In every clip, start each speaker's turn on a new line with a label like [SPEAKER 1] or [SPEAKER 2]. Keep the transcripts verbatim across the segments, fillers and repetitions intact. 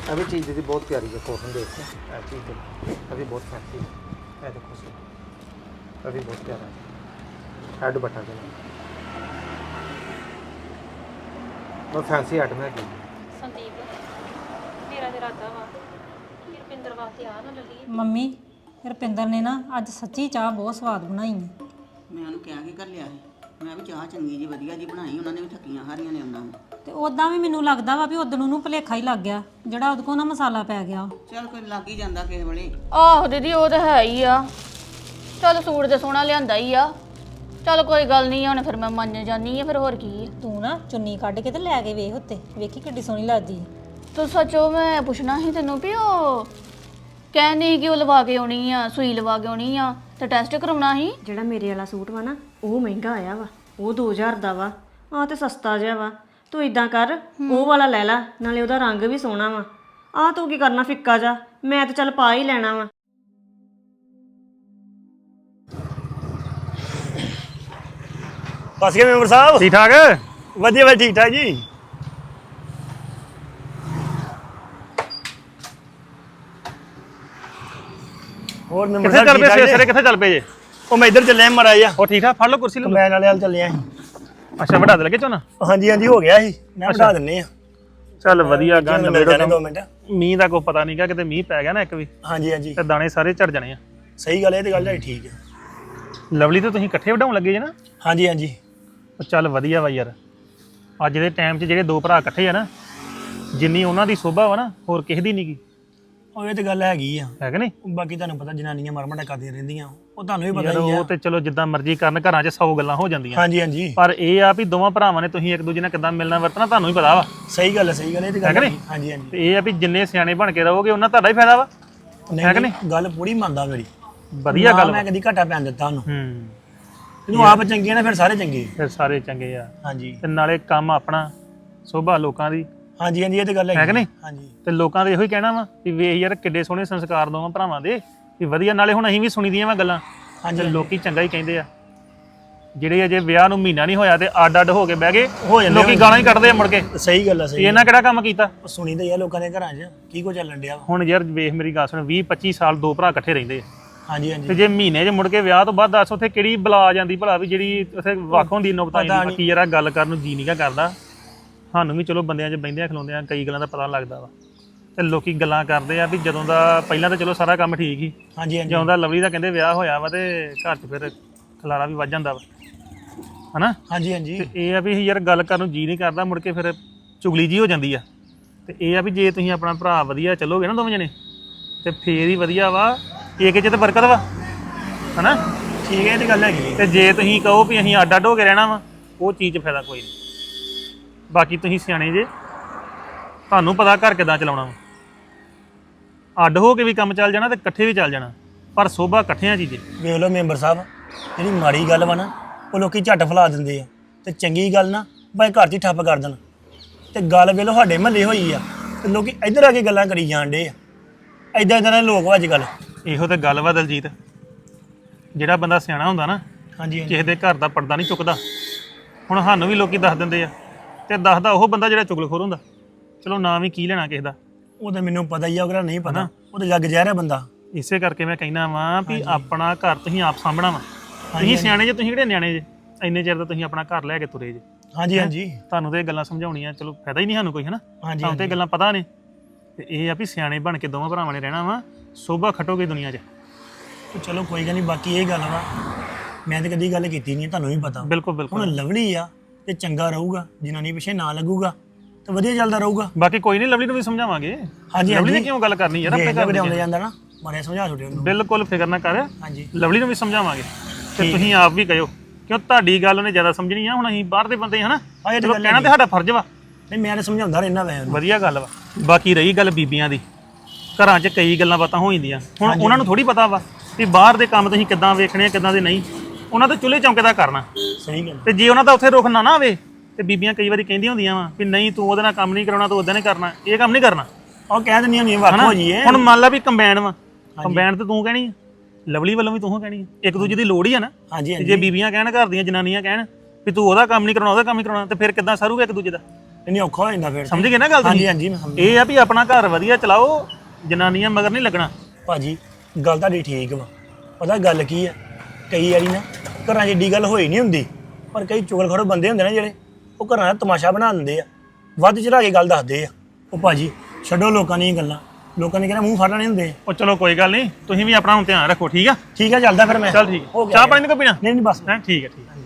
[SPEAKER 1] अभी चीज़ दीदी बहुत प्यारी है, कॉटन देखते हैं चीज़ अभी बहुत फैंसी है। देखो सर अभी बहुत प्यारा है, हेड बटा के और फैंसी आइटम है।
[SPEAKER 2] ਸੰਦੀਪ ਮੇਰਾ ਤੇ ਇਰਾਦਾ ਵਾ ਕਿ ਰੁਪਿੰਦਰ ਵਾਸਤੇ ਆ ਨਾ ਲੱਲੀ।
[SPEAKER 3] ਮੰਮੀ ਰੁਪਿੰਦਰ ਨੇ ਨਾ ਅੱਜ ਸੱਚੀ ਚਾਹ ਬਹੁਤ ਸਵਾਦ ਬਣਾਈ ਹੈ।
[SPEAKER 4] ਮੈਂ ਉਹਨੂੰ ਕਿਹਾ ਕਿ ਕਰ ਲਿਆ ਸੀ, ਮੈਂ ਵੀ ਚਾਹ ਚੰਗੀ ਜੀ ਵਧੀਆ ਜੀ ਬਣਾਈ, ਉਹਨਾਂ ਨੇ ਵੀ ਥੱਕੀਆਂ ਹਾਰੀਆਂ ਨੇ ਉਹਨਾਂ ਨੂੰ।
[SPEAKER 3] ਤੇ ਉਦਾਂ ਵੀ ਮੈਨੂੰ ਲੱਗਦਾ ਵਾ ਵੀ ਉਦੋਂ ਉਹਨੂੰ ਭੁਲੇਖਾ ਹੀ ਲੱਗ ਗਿਆ ਜਿਹੜਾ ਉਹਦੇ ਕੋਲ ਨਾ ਮਸਾਲਾ ਪੈ ਗਿਆ।
[SPEAKER 4] ਚੱਲ ਕੋਈ ਲੱਗ ਹੀ ਜਾਂਦਾ ਕਿਸੇ ਵੇਲੇ।
[SPEAKER 2] ਆਹੋ ਦੀਦੀ ਉਹ ਤਾਂ ਹੈ ਹੀ ਆ। ਚੱਲ ਸੂਟ ਤੇ ਸੋਹਣਾ ਲਿਆਂਦਾ ਹੀ ਆ, ਚੱਲ ਕੋਈ ਗੱਲ ਨਹੀਂ, ਹੁਣ ਫਿਰ ਮੈਂ ਮੰਨ ਜਾਨੀ ਆ, ਫਿਰ ਹੋਰ ਕੀ ਆ।
[SPEAKER 3] ਤੂੰ ਨਾ ਚੁੰਨੀ ਕੱਢ ਕੇ ਤੇ ਲੈ ਕੇ ਵੇਖ ਉੱਤੇ, ਵੇਖੀ ਕਿੱਡੀ ਸੋਹਣੀ ਲੱਗਦੀ।
[SPEAKER 2] ਤੂੰ ਸੱਚੋ ਮੈਂ ਪੁੱਛਣਾ ਸੀ ਤੈਨੂੰ ਵੀ ਉਹ ਕਹਿੰਦੀ ਕਿ ਉਹ ਲਵਾ ਕੇ ਆਉਣੀ ਆ, ਸੂਈ ਲਵਾ ਕੇ ਆਉਣੀ ਆ ਤੇ ਟੈਸਟ ਕਰਾਉਣਾ ਸੀ।
[SPEAKER 5] ਜਿਹੜਾ ਮੇਰੇ ਵਾਲਾ ਸੂਟ ਵਾ ਨਾ ਉਹ ਮਹਿੰਗਾ ਆਇਆ ਵਾ, ਉਹ ਦੋ ਹਜ਼ਾਰ ਦਾ ਵਾ। ਆਹ ਤੇ ਸਸਤਾ ਜਿਹਾ ਵਾ। ਤੂੰ ਇਦਾਂ ਕਰ ਉਹ ਵਾਲਾ ਲੈ ਲੈ, ਨਾਲੇ ਉਹਦਾ ਰੰਗ ਵੀ ਸੋਹਣਾ ਵਾ। ਆਹ ਤੂੰ ਕੀ ਕਰਨਾ ਫਿੱਕਾ ਜਾ, ਮੈਂ ਤੇ ਚੱਲ ਪਾ ਹੀ ਲੈਣਾ ਵਾ।
[SPEAKER 6] ਬਸ ਗਿਆ ਮੈਂਬਰ ਸਾਹਿਬ।
[SPEAKER 7] ਠੀਕ ਠਾਕ
[SPEAKER 6] ਵਧੀਆ ਵਧੀਆ ਠੀਕ ਠਾਕ ਜੀ। ਹੋਰ ਮੈਂਬਰ
[SPEAKER 7] ਕਿੱਥੇ
[SPEAKER 6] ਸਾਹਿਬ
[SPEAKER 7] ਚੱਲ
[SPEAKER 6] ਠੀਕ
[SPEAKER 7] ਪਏ
[SPEAKER 6] ਠਾਕ
[SPEAKER 7] ਸਵੇਰੇ
[SPEAKER 6] ਜੀ?
[SPEAKER 7] ਸਵੇਰੇ ਕਿੱਥੇ ਚੱਲ ਪਏ ਜੇ?
[SPEAKER 6] ਉਹ ਮੈਂ ਇੱਧਰ ਚੱਲਿਆ ਮੜਾ ਜਾ।
[SPEAKER 7] ਉਹ ਠੀਕ ਠਾਕ ਫੜ ਲਓ ਕੁਰਸੀ ਲਓ।
[SPEAKER 6] ਮੈਂ ਨਾਲੇ ਹਾਲ ਚੱਲਿਆ ਸੀ।
[SPEAKER 7] ਅੱਛਾ ਵਡਾ ਦੇ ਲੱਗੇ ਝੋਨਾ?
[SPEAKER 6] ਹਾਂਜੀ ਹਾਂਜੀ ਹੋ ਗਿਆ ਸੀ, ਮੈਂ ਵਧਾ ਦਿੰਨੇ ਆ।
[SPEAKER 7] ਚੱਲ ਵਧੀਆ ਗੱਲ
[SPEAKER 6] ਮਿਲ ਜਾਣੇ ਦੋ ਮਿੰਟ।
[SPEAKER 7] ਮੀਂਹ ਦਾ ਕੋਈ ਪਤਾ ਨਹੀਂਗਾ, ਕਿਤੇ ਮੀਂਹ ਪੈ ਗਿਆ ਨਾ ਇੱਕ ਵੀ
[SPEAKER 6] ਹਾਂਜੀ ਹਾਂਜੀ
[SPEAKER 7] ਤੇ ਦਾਣੇ ਸਾਰੇ ਝੜ ਜਾਣੇ ਆ।
[SPEAKER 6] ਸਹੀ ਗੱਲ ਹੈ, ਇਹ ਤੇ ਗੱਲ ਹੈ ਠੀਕ ਹੈ।
[SPEAKER 7] ਲਵਲੀ ਤੇ ਤੁਸੀਂ ਇਕੱਠੇ ਵਢਾਉਣ ਲੱਗੇ ਜੇ ਨਾ?
[SPEAKER 6] ਹਾਂਜੀ ਹਾਂਜੀ
[SPEAKER 7] ਉਹ ਚੱਲ ਵਧੀਆ ਵਾ ਯਾਰ, ਅੱਜ ਦੇ ਟਾਈਮ 'ਚ ਜਿਹੜੇ ਦੋ ਭਰਾ ਇਕੱਠੇ ਆ ਨਾ, ਜਿੰਨੀ ਉਹਨਾਂ ਦੀ ਸੋਭਾ ਵਾ ਨਾ ਹੋਰ ਕਿਸੇ ਦੀ ਨਹੀਂਗੀ।
[SPEAKER 6] ਉਹ ਇਹ ਤੇ ਗੱਲ ਹੈਗੀ ਆ।
[SPEAKER 7] ਹੈ ਕਿ ਨਹੀਂ?
[SPEAKER 6] ਬਾਕੀ ਤੁਹਾਨੂੰ ਪਤਾ ਜਨਾਨੀਆਂ ਮਰਮਟਾ ਕਰਦੀਆਂ ਰਹਿੰਦੀਆਂ, ਉਹ ਤੁਹਾਨੂੰ ਵੀ ਪਤਾ
[SPEAKER 7] ਯਾਰ
[SPEAKER 6] ਹੀ ਆ।
[SPEAKER 7] ਉਹ ਤੇ ਚਲੋ ਜਿੱਦਾਂ ਮਰਜ਼ੀ ਕਰਨ, ਘਰਾਂ 'ਚ ਸੌ ਗੱਲਾਂ ਹੋ ਜਾਂਦੀਆਂ,
[SPEAKER 6] ਹਾਂਜੀ ਹਾਂਜੀ
[SPEAKER 7] ਪਰ ਇਹ ਆ ਵੀ ਦੋਵਾਂ ਭਰਾਵਾਂ ਨੇ ਤੁਸੀਂ ਇੱਕ ਦੂਜੇ ਨਾਲ ਕਿੱਦਾਂ ਮਿਲਣਾ ਵਰਤਣਾ ਤੁਹਾਨੂੰ ਹੀ ਪਤਾ ਵਾ।
[SPEAKER 6] ਸਹੀ ਗੱਲ ਹੈ, ਸਹੀ ਗੱਲ ਹੈ, ਇਹ ਤੇ
[SPEAKER 7] ਹੈ
[SPEAKER 6] ਗੱਲ
[SPEAKER 7] ਕਿ
[SPEAKER 6] ਹੈ।
[SPEAKER 7] ਨਹੀਂ?
[SPEAKER 6] ਹਾਂਜੀ ਹਾਂਜੀ
[SPEAKER 7] ਤੇ ਇਹ ਆ ਵੀ ਜਿੰਨੇ ਸਿਆਣੇ ਬਣ ਕੇ ਰਹੋਗੇ ਉਹਨਾਂ ਤੁਹਾਡਾ ਹੀ ਫਾਇਦਾ ਵਾ। ਹੈ ਕਿ
[SPEAKER 6] ਨਹੀਂ
[SPEAKER 7] ਨਹੀਂ?
[SPEAKER 6] ਗੱਲ ਪੂਰੀ ਮੰਨਦਾ ਮੇਰੀ।
[SPEAKER 7] ਵਧੀਆ
[SPEAKER 6] ਨਾ
[SPEAKER 7] ਗੱਲ
[SPEAKER 6] ਮੈਂ
[SPEAKER 7] ਵਾ।
[SPEAKER 6] ਕਦੀ ਘਾਟਾ ਪੈਣ ਦਿੱਤਾ ਉਹਨੂੰ।
[SPEAKER 7] ਹੂੰ
[SPEAKER 6] ਇਹਨੂੰ ਆਪ ਚੰਗੇ ਨੇ ਫਿਰ ਸਾਰੇ ਚੰਗੇ।
[SPEAKER 7] ਫਿਰ ਸਾਰੇ ਚੰਗੇ ਆ
[SPEAKER 6] ਹਾਂਜੀ
[SPEAKER 7] ਤੇ ਨਾਲੇ ਕੰਮ ਆਪਣਾ, ਸੋਭਾ ਲੋਕਾਂ ਦੀ।
[SPEAKER 6] ਹਾਂਜੀ ਹਾਂਜੀ ਇਹ ਤੇ ਗੱਲ
[SPEAKER 7] ਹੈ ਕਿ ਨਹੀਂ?
[SPEAKER 6] ਹਾਂਜੀ
[SPEAKER 7] ਤੇ ਲੋਕਾਂ ਦੇ ਇਹੋ ਹੀ ਕਹਿਣਾ ਵਾ ਵੀ ਵੇਖ ਯਾਰ ਕਿੱਡੇ ਸੋਹਣੇ ਸੰਸਕਾਰ ਦੋਵਾਂ ਭਰਾਵਾਂ ਦੇ, ਵੀ ਵਧੀਆ। ਨਾਲੇ ਹੁਣ ਅਸੀਂ ਵੀ ਸੁਣੀ ਦੀਆਂ ਵਾ ਗੱਲਾਂ,
[SPEAKER 6] ਹਾਂਜੀ
[SPEAKER 7] ਤੇ ਲੋਕੀ ਚੰਗਾ ਹੀ ਕਹਿੰਦੇ ਆ। ਜਿਹੜੇ ਅਜੇ ਵਿਆਹ ਨੂੰ ਮਹੀਨਾ ਨਹੀਂ ਹੋਇਆ ਤੇ ਅੱਡ ਅੱਡ ਹੋ ਕੇ ਬਹਿ ਗਏ,
[SPEAKER 6] ਹੋ ਜਾਂਦੇ
[SPEAKER 7] ਲੋਕੀ ਗਾਲਾਂ ਹੀ ਕੱਢਦੇ ਆ ਮੁੜ ਕੇ।
[SPEAKER 6] ਸਹੀ ਗੱਲ ਹੈ,
[SPEAKER 7] ਵੀ
[SPEAKER 6] ਸਹੀ
[SPEAKER 7] ਇਹਨਾਂ ਕਿਹੜਾ ਕੰਮ ਕੀਤਾ?
[SPEAKER 6] ਉਹ ਸੁਣੀਦਾ ਹੀ ਆ ਲੋਕਾਂ ਦੇ ਘਰਾਂ 'ਚ ਕੀ ਕੋ ਚੱਲਣ ਡਿਆ ਵਾ।
[SPEAKER 7] ਹੁਣ ਯਾਰ ਵੇਖ ਮੇਰੀ ਗੱਲ ਸੁਣ, ਵੀਹ ਪੱਚੀ ਸਾਲ ਦੋ ਭਰਾ ਇਕੱਠੇ ਰਹਿੰਦੇ ਆ,
[SPEAKER 6] ਹਾਂਜੀ
[SPEAKER 7] ਤੇ
[SPEAKER 6] ਹਾਂਜੀ
[SPEAKER 7] ਜੇ ਮਹੀਨੇ 'ਚ ਮੁੜ ਕੇ ਵਿਆਹ ਤੋਂ ਬਾਅਦ ਦੱਸ ਉੱਥੇ ਕਿਹੜੀ ਬਲਾ ਆ ਜਾਂਦੀ ਭਲਾ, ਵੀ ਜਿਹੜੀ ਉੱਥੇ ਵੱਖ ਹੁੰਦੀ ਨੁਕਤਾ
[SPEAKER 6] ਪਤਾ
[SPEAKER 7] ਬਾਕੀ ਯਾਰ ਆਹ ਗੱਲ ਕਰਨ ਨੂੰ ਜੀ ਨਹੀਂ ਗਾ ਕਰਦਾ। ਸਾਨੂੰ ਵੀ ਚਲੋ ਬੰਦਿਆਂ 'ਚ ਬਹਿੰਦਿਆਂ ਖਲੋਂਦਿਆਂ ਕਈ ਗੱਲਾਂ ਦਾ ਪਤਾ ਲੱਗਦਾ ਵਾ, ਤੇ ਲੋਕੀ ਗੱਲਾਂ ਕਰਦੇ ਆ ਵੀ ਜਦੋਂ ਦਾ ਪਹਿਲਾਂ ਤਾਂ ਚਲੋ ਸਾਰਾ ਕੰਮ ਠੀਕ ਹੀ,
[SPEAKER 6] ਹਾਂਜੀ ਹਾਂਜੀ
[SPEAKER 7] ਜਦੋਂ ਦਾ ਲਵਲੀ ਦਾ ਕਹਿੰਦੇ ਵਿਆਹ ਹੋਇਆ ਵਾ ਤੇ ਘਰ 'ਚ ਫਿਰ ਖਲਾਰਾ ਵੀ ਵੱਜ ਜਾਂਦਾ ਵਾ, ਹਨਾ?
[SPEAKER 6] ਹਾਂਜੀ ਹਾਂਜੀ
[SPEAKER 7] ਤੇ ਇਹ ਆ ਵੀ ਯਾਰ ਗੱਲ ਕਰਨ ਨੂੰ ਜੀ ਨਹੀਂ ਕਰਦਾ, ਮੁੜ ਕੇ ਫਿਰ ਚੁਗਲੀ ਜੀ ਹੋ ਜਾਂਦੀ ਆ। ਤੇ ਇਹ ਆ ਵੀ ਜੇ ਤੁਸੀਂ ਆਪਣਾ ਭਰਾ ਵਧੀਆ ਚੱਲੋਗੇ ਨਾ ਦੋਵੇਂ ਜਣੇ, ਤੇ ਫੇਰ ਹੀ ਵਧੀਆ ਵਾ, ਇੱਕ 'ਚ ਤੇ ਬਰਕਤ ਵਾ, ਹਨਾ?
[SPEAKER 6] ਠੀਕ ਹੈ, ਇਹ ਤੇ ਗੱਲ ਹੈਗੀ।
[SPEAKER 7] ਤੇ ਜੇ ਤੁਸੀਂ ਕਹੋ ਵੀ ਅਸੀਂ ਅੱਡ ਅੱਡ ਹੋ ਕੇ ਰਹਿਣਾ ਵਾ, ਉਹ ਚੀਜ਼ 'ਚ ਫਾਇਦਾ ਕੋਈ ਨਹੀਂ। ਬਾਕੀ ਤੁਸੀਂ ਸਿਆਣੇ ਜੇ, ਤੁਹਾਨੂੰ ਪਤਾ ਘਰ ਕਿੱਦਾਂ ਚਲਾਉਣਾ ਵਾ। ਅੱਡ ਹੋ ਕੇ ਵੀ ਕੰਮ ਚੱਲ ਜਾਣਾ ਤੇ ਇਕੱਠੇ ਵੀ ਚੱਲ ਜਾਣਾ, ਪਰ ਸੋਭਾ ਇਕੱਠਿਆਂ ਚੀਜ਼ੇ।
[SPEAKER 6] ਵੇਖ ਲਓ ਮੈਂਬਰ ਸਾਹਿਬ, ਜਿਹੜੀ ਮਾੜੀ ਗੱਲ ਵਾ ਨਾ ਉਹ ਲੋਕੀ ਝੱਟ ਫਲਾ ਦਿੰਦੇ ਆ, ਤੇ ਚੰਗੀ ਗੱਲ ਨਾ ਭਾਵੇਂ ਘਰ 'ਚ ਹੀ ਠੱਪ ਕਰ ਦੇਣ। ਤੇ ਗੱਲ ਵੇਖ ਲਓ ਸਾਡੇ ਮਹੱਲੇ ਹੋਈ ਆ, ਤੇ ਲੋਕੀ ਇੱਧਰ ਆ ਕੇ ਗੱਲਾਂ ਕਰੀ ਜਾਣ ਡੇ ਆ। ਐਦਾਂ ਐਦਾਂ ਦੇ ਲੋਕ ਵਾ ਅੱਜ ਕੱਲ੍ਹ।
[SPEAKER 7] ਇਹੋ ਤੇ ਗੱਲ ਵਾ ਦਲਜੀਤ, ਜਿਹੜਾ ਬੰਦਾ ਸਿਆਣਾ ਹੁੰਦਾ ਨਾ
[SPEAKER 6] ਹਾਂਜੀ ਹਾਂਜੀ
[SPEAKER 7] ਕਿਸੇ ਦੇ ਘਰ ਦਾ ਪਰਦਾ ਨਹੀਂ ਚੁੱਕਦਾ। ਹੁਣ ਸਾਨੂੰ ਵੀ ਲੋਕੀ ਦੱਸ ਦਿੰਦੇ ਆ, ਤੇ ਦੱਸਦਾ ਉਹ ਬੰਦਾ ਜਿਹੜਾ ਚੁਗਲਖੋਰ ਹੁੰਦਾ। ਚਲੋ ਨਾਂ ਵੀ ਕੀ ਲੈਣਾ ਕਿਸੇ ਦਾ,
[SPEAKER 6] ਉਹ ਤਾਂ ਮੈਨੂੰ ਪਤਾ ਹੀ ਆ, ਉਹਦਾ ਨਹੀਂ ਪਤਾ, ਉਹ ਤਾਂ ਜੱਗ ਜ਼ਹਿਰ ਬੰਦਾ।
[SPEAKER 7] ਇਸੇ ਕਰਕੇ ਮੈਂ ਕਹਿਣਾ ਵਾਂ ਵੀ ਆਪਣਾ ਘਰ ਤੁਸੀਂ ਆਪ ਸਾਂਭਣਾ ਵਾ। ਤੁਸੀਂ ਸਿਆਣੇ ਜੇ, ਤੁਸੀਂ ਕਿਹੜੇ ਨਿਆਣੇ ਜੇ? ਇੰਨੇ ਚਿਰ ਦਾ ਤੁਸੀਂ ਆਪਣਾ ਘਰ ਲੈ ਕੇ ਤੁਰੇ ਜੇ।
[SPEAKER 6] ਹਾਂਜੀ ਹਾਂਜੀ
[SPEAKER 7] ਤੁਹਾਨੂੰ ਤੇ ਇਹ ਗੱਲਾਂ ਸਮਝਾਉਣੀਆਂ ਚਲੋ ਫਾਇਦਾ ਹੀ ਨਹੀਂ ਸਾਨੂੰ ਕੋਈ, ਹਨਾ?
[SPEAKER 6] ਹਾਂਜੀ
[SPEAKER 7] ਤੁਹਾਨੂੰ ਤੇ ਇਹ ਗੱਲਾਂ ਪਤਾ ਨੇ, ਤੇ ਇਹ ਆ ਵੀ ਸਿਆਣੇ ਬਣ ਕੇ ਦੋਵਾਂ ਭਰਾਵਾਂ ਨੇ ਰਹਿਣਾ ਵਾ, ਸੋਭਾ ਖਟੋਗੇ ਦੁਨੀਆ 'ਚ।
[SPEAKER 6] ਤੇ ਚਲੋ ਕੋਈ ਗੱਲ ਨਹੀਂ। ਬਾਕੀ ਇਹ ਗੱਲ ਵਾ, ਮੈਂ ਤਾਂ ਕਦੀ ਗੱਲ ਕੀਤੀ ਨਹੀਂ, ਤੁਹਾਨੂੰ ਵੀ ਪਤਾ।
[SPEAKER 7] ਬਿਲਕੁਲ ਬਿਲਕੁਲ।
[SPEAKER 6] ਹੁਣ ਲਵਲੀ ਆ ਤੇ ਚੰਗਾ ਰਹੂਗਾ, ਜਨਾਨੀ ਪਿੱਛੇ ਨਾ ਲੱਗੂਗਾ ਤੇ ਵਧੀਆ ਚੱਲਦਾ ਰਹੂਗਾ।
[SPEAKER 7] ਬਾਕੀ ਕੋਈ ਨਹੀਂ, ਲਵਲੀ ਨੂੰ ਵੀ ਸਮਝਾਵਾਂਗੇ।
[SPEAKER 6] ਹਾਂਜੀ
[SPEAKER 7] ਲਵਲੀ ਨੇ
[SPEAKER 6] ਹਾਂਜੀ
[SPEAKER 7] ਕਿਉਂ ਗੱਲ ਕਰਨੀ ਯਾਰ ਆਪਣੇ ਘਰ
[SPEAKER 6] ਆਉਂਦੇ
[SPEAKER 7] ਦੀ?
[SPEAKER 6] ਜਾਂਦਾ ਨਾ, ਮਾਰਿਆ ਸਮਝਾ ਛੋਟੇ ਉਹਨੂੰ।
[SPEAKER 7] ਬਿਲਕੁਲ ਫਿਕਰ ਨਾ ਕਰ,
[SPEAKER 6] ਹਾਂਜੀ
[SPEAKER 7] ਲਵਲੀ ਨੂੰ ਵੀ ਸਮਝਾਵਾਂਗੇ, ਤੇ ਤੁਸੀਂ ਆਪ ਵੀ ਕਹਿਓ, ਕਿਉਂ ਤੁਹਾਡੀ ਗੱਲ ਉਹਨੇ ਜ਼ਿਆਦਾ ਸਮਝਣੀ ਆ। ਹੁਣ ਅਸੀਂ ਬਾਹਰ ਦੇ ਬੰਦੇ ਹਨਾ,
[SPEAKER 6] ਹਾਂ, ਇਹ ਤਾਂ
[SPEAKER 7] ਚਲੋ
[SPEAKER 6] ਗੱਲ
[SPEAKER 7] ਕਹਿਣਾ ਤੇ ਸਾਡਾ ਫਰਜ਼ ਵਾ।
[SPEAKER 6] ਨਹੀਂ ਮੈਂ ਤਾਂ ਸਮਝਾਉਂਦਾ ਰਹਿਣਾ ਵੈ ਉਹਨੂੰ।
[SPEAKER 7] ਵਧੀਆ ਗੱਲ ਵਾ। ਬਾਕੀ ਰਹੀ ਗੱਲ ਬੀਬੀਆਂ ਦੀ, ਘਰਾਂ 'ਚ ਕਈ ਗੱਲਾਂ ਬਾਤਾਂ ਹੋ ਜਾਂਦੀਆਂ। ਹੁਣ ਉਹਨਾਂ ਨੂੰ ਥੋੜੀ ਪਤਾ ਵਾ ਵੀ ਬਾਹਰ ਦੇ ਕੰਮ ਤੁਸੀਂ ਕਿੱਦਾਂ ਵੇਖਣੇ ਆ ਕਿੱਦਾਂ ਦੇ ਨਹੀਂ। ਉਹਨਾਂ ਤਾਂ ਚੁੱਲ੍ਹੇ ਚੌਂਕੇ ਦਾ ਕਰਨਾ,
[SPEAKER 6] ਸਹੀ ਗੱਲ।
[SPEAKER 7] ਤੇ ਜੇ ਉਹਨਾਂ ਦਾ ਉੱਥੇ ਰੁਖ ਨਾ ਨਾ ਆਵੇ, ਤੇ ਬੀਬੀਆਂ ਕਈ ਵਾਰੀ ਕਹਿੰਦੀਆਂ ਹੁੰਦੀਆਂ ਵਾ ਵੀ ਨਹੀਂ ਤੂੰ ਉਹਦੇ ਨਾਲ ਕੰਮ ਨਹੀਂ ਕਰਾਉਣਾ, ਤੂੰ ਉਹਦੇ ਨਾਲ ਕਰਨਾ, ਇਹ ਕੰਮ ਨਹੀਂ ਕਰਨਾ।
[SPEAKER 6] ਉਹ ਕਹਿ ਦਿੰਦੀਆਂ ਹੁੰਦੀਆਂ ਵੱਖ ਹੋ ਜੀਏ।
[SPEAKER 7] ਹੁਣ ਮੰਨ ਲਾ ਵੀ ਕੰਬਾਈਨ ਵਾ, ਕੰਬਾਈਨ ਤੇ ਤੂੰ ਕਹਿਣੀ ਆ, ਲਵਲੀ ਵੱਲੋਂ ਵੀ ਤੂੰ ਕਹਿਣੀ ਆ, ਇੱਕ ਦੂਜੇ ਦੀ ਲੋੜ ਹੀ ਆ ਨਾ।
[SPEAKER 6] ਹਾਂਜੀ
[SPEAKER 7] ਤੇ ਜੇ ਬੀਬੀਆਂ ਕਹਿਣ, ਘਰ ਦੀਆਂ ਜਨਾਨੀਆਂ ਕਹਿਣ ਵੀ ਤੂੰ ਉਹਦਾ ਕੰਮ ਨਹੀਂ ਕਰਾਉਣਾ, ਉਹਦਾ ਕੰਮ ਨਹੀਂ ਕਰਾਉਣਾ, ਤੇ ਫਿਰ ਕਿੱਦਾਂ ਸਰੂਗਾ ਇੱਕ ਦੂਜੇ ਦਾ?
[SPEAKER 6] ਨਹੀਂ ਔਖਾ ਹੋ ਜਾਂਦਾ ਫਿਰ
[SPEAKER 7] ਸਮਝ ਗਏ ਨਾ ਗੱਲ
[SPEAKER 6] ਹਾਂਜੀ
[SPEAKER 7] ਤੁਸੀਂ
[SPEAKER 6] ਹਾਂਜੀ ਮੈਂ ਸਮਝ
[SPEAKER 7] ਇਹ ਆ ਵੀ ਆਪਣਾ ਘਰ ਵਧੀਆ ਚਲਾਓ ਜਨਾਨੀਆਂ ਮਗਰ ਨਹੀਂ ਲੱਗਣਾ
[SPEAKER 6] ਭਾਜੀ ਗੱਲ ਤੁਹਾਡੀ ਠੀਕ ਵਾ ਪਤਾ ਗੱਲ ਕੀ ਆ ਕਈ ਵਾਰੀ ਨਾ ਘਰਾਂ 'ਚ ਏਡੀ ਗੱਲ ਹੋਈ ਨਹੀਂ ਹੁੰਦੀ ਪਰ ਕਈ ਚੁਗਲਖੋਰ ਬੰਦੇ ਹੁੰਦੇ ਨੇ ਜਿਹੜੇ ਉਹ ਘਰਾਂ ਦਾ ਤਮਾਸ਼ਾ ਬਣਾ ਦਿੰਦੇ ਆ ਵੱਧ ਚੜਾ ਕੇ ਗੱਲ ਦੱਸਦੇ ਆ ਉਹ ਭਾਜੀ ਛੱਡੋ ਲੋਕਾਂ ਦੀਆਂ ਗੱਲਾਂ ਲੋਕਾਂ ਨੇ ਕਹਿੰਦਾ ਮੂੰਹ ਫੜਨਾ ਨਹੀਂ ਹੁੰਦੇ
[SPEAKER 7] ਉਹ ਚਲੋ ਕੋਈ ਗੱਲ ਨਹੀਂ ਤੁਸੀਂ ਵੀ ਆਪਣਾ ਹੁਣ ਧਿਆਨ ਰੱਖੋ ਠੀਕ ਆ
[SPEAKER 6] ਠੀਕ ਆ ਚੱਲਦਾ ਫਿਰ ਮੈਂ
[SPEAKER 7] ਚੱਲ ਠੀਕ
[SPEAKER 6] ਹੋ
[SPEAKER 7] ਆ।
[SPEAKER 6] ਗਿਆ
[SPEAKER 7] ਚਾਹ ਪਾਣੀ ਨਹੀਂ ਕੋ ਪੀਣਾ
[SPEAKER 6] ਨਹੀਂ ਨਹੀਂ ਬਸ
[SPEAKER 7] ਹੈ ਠੀਕ ਹੈ ਠੀਕ ਹੈ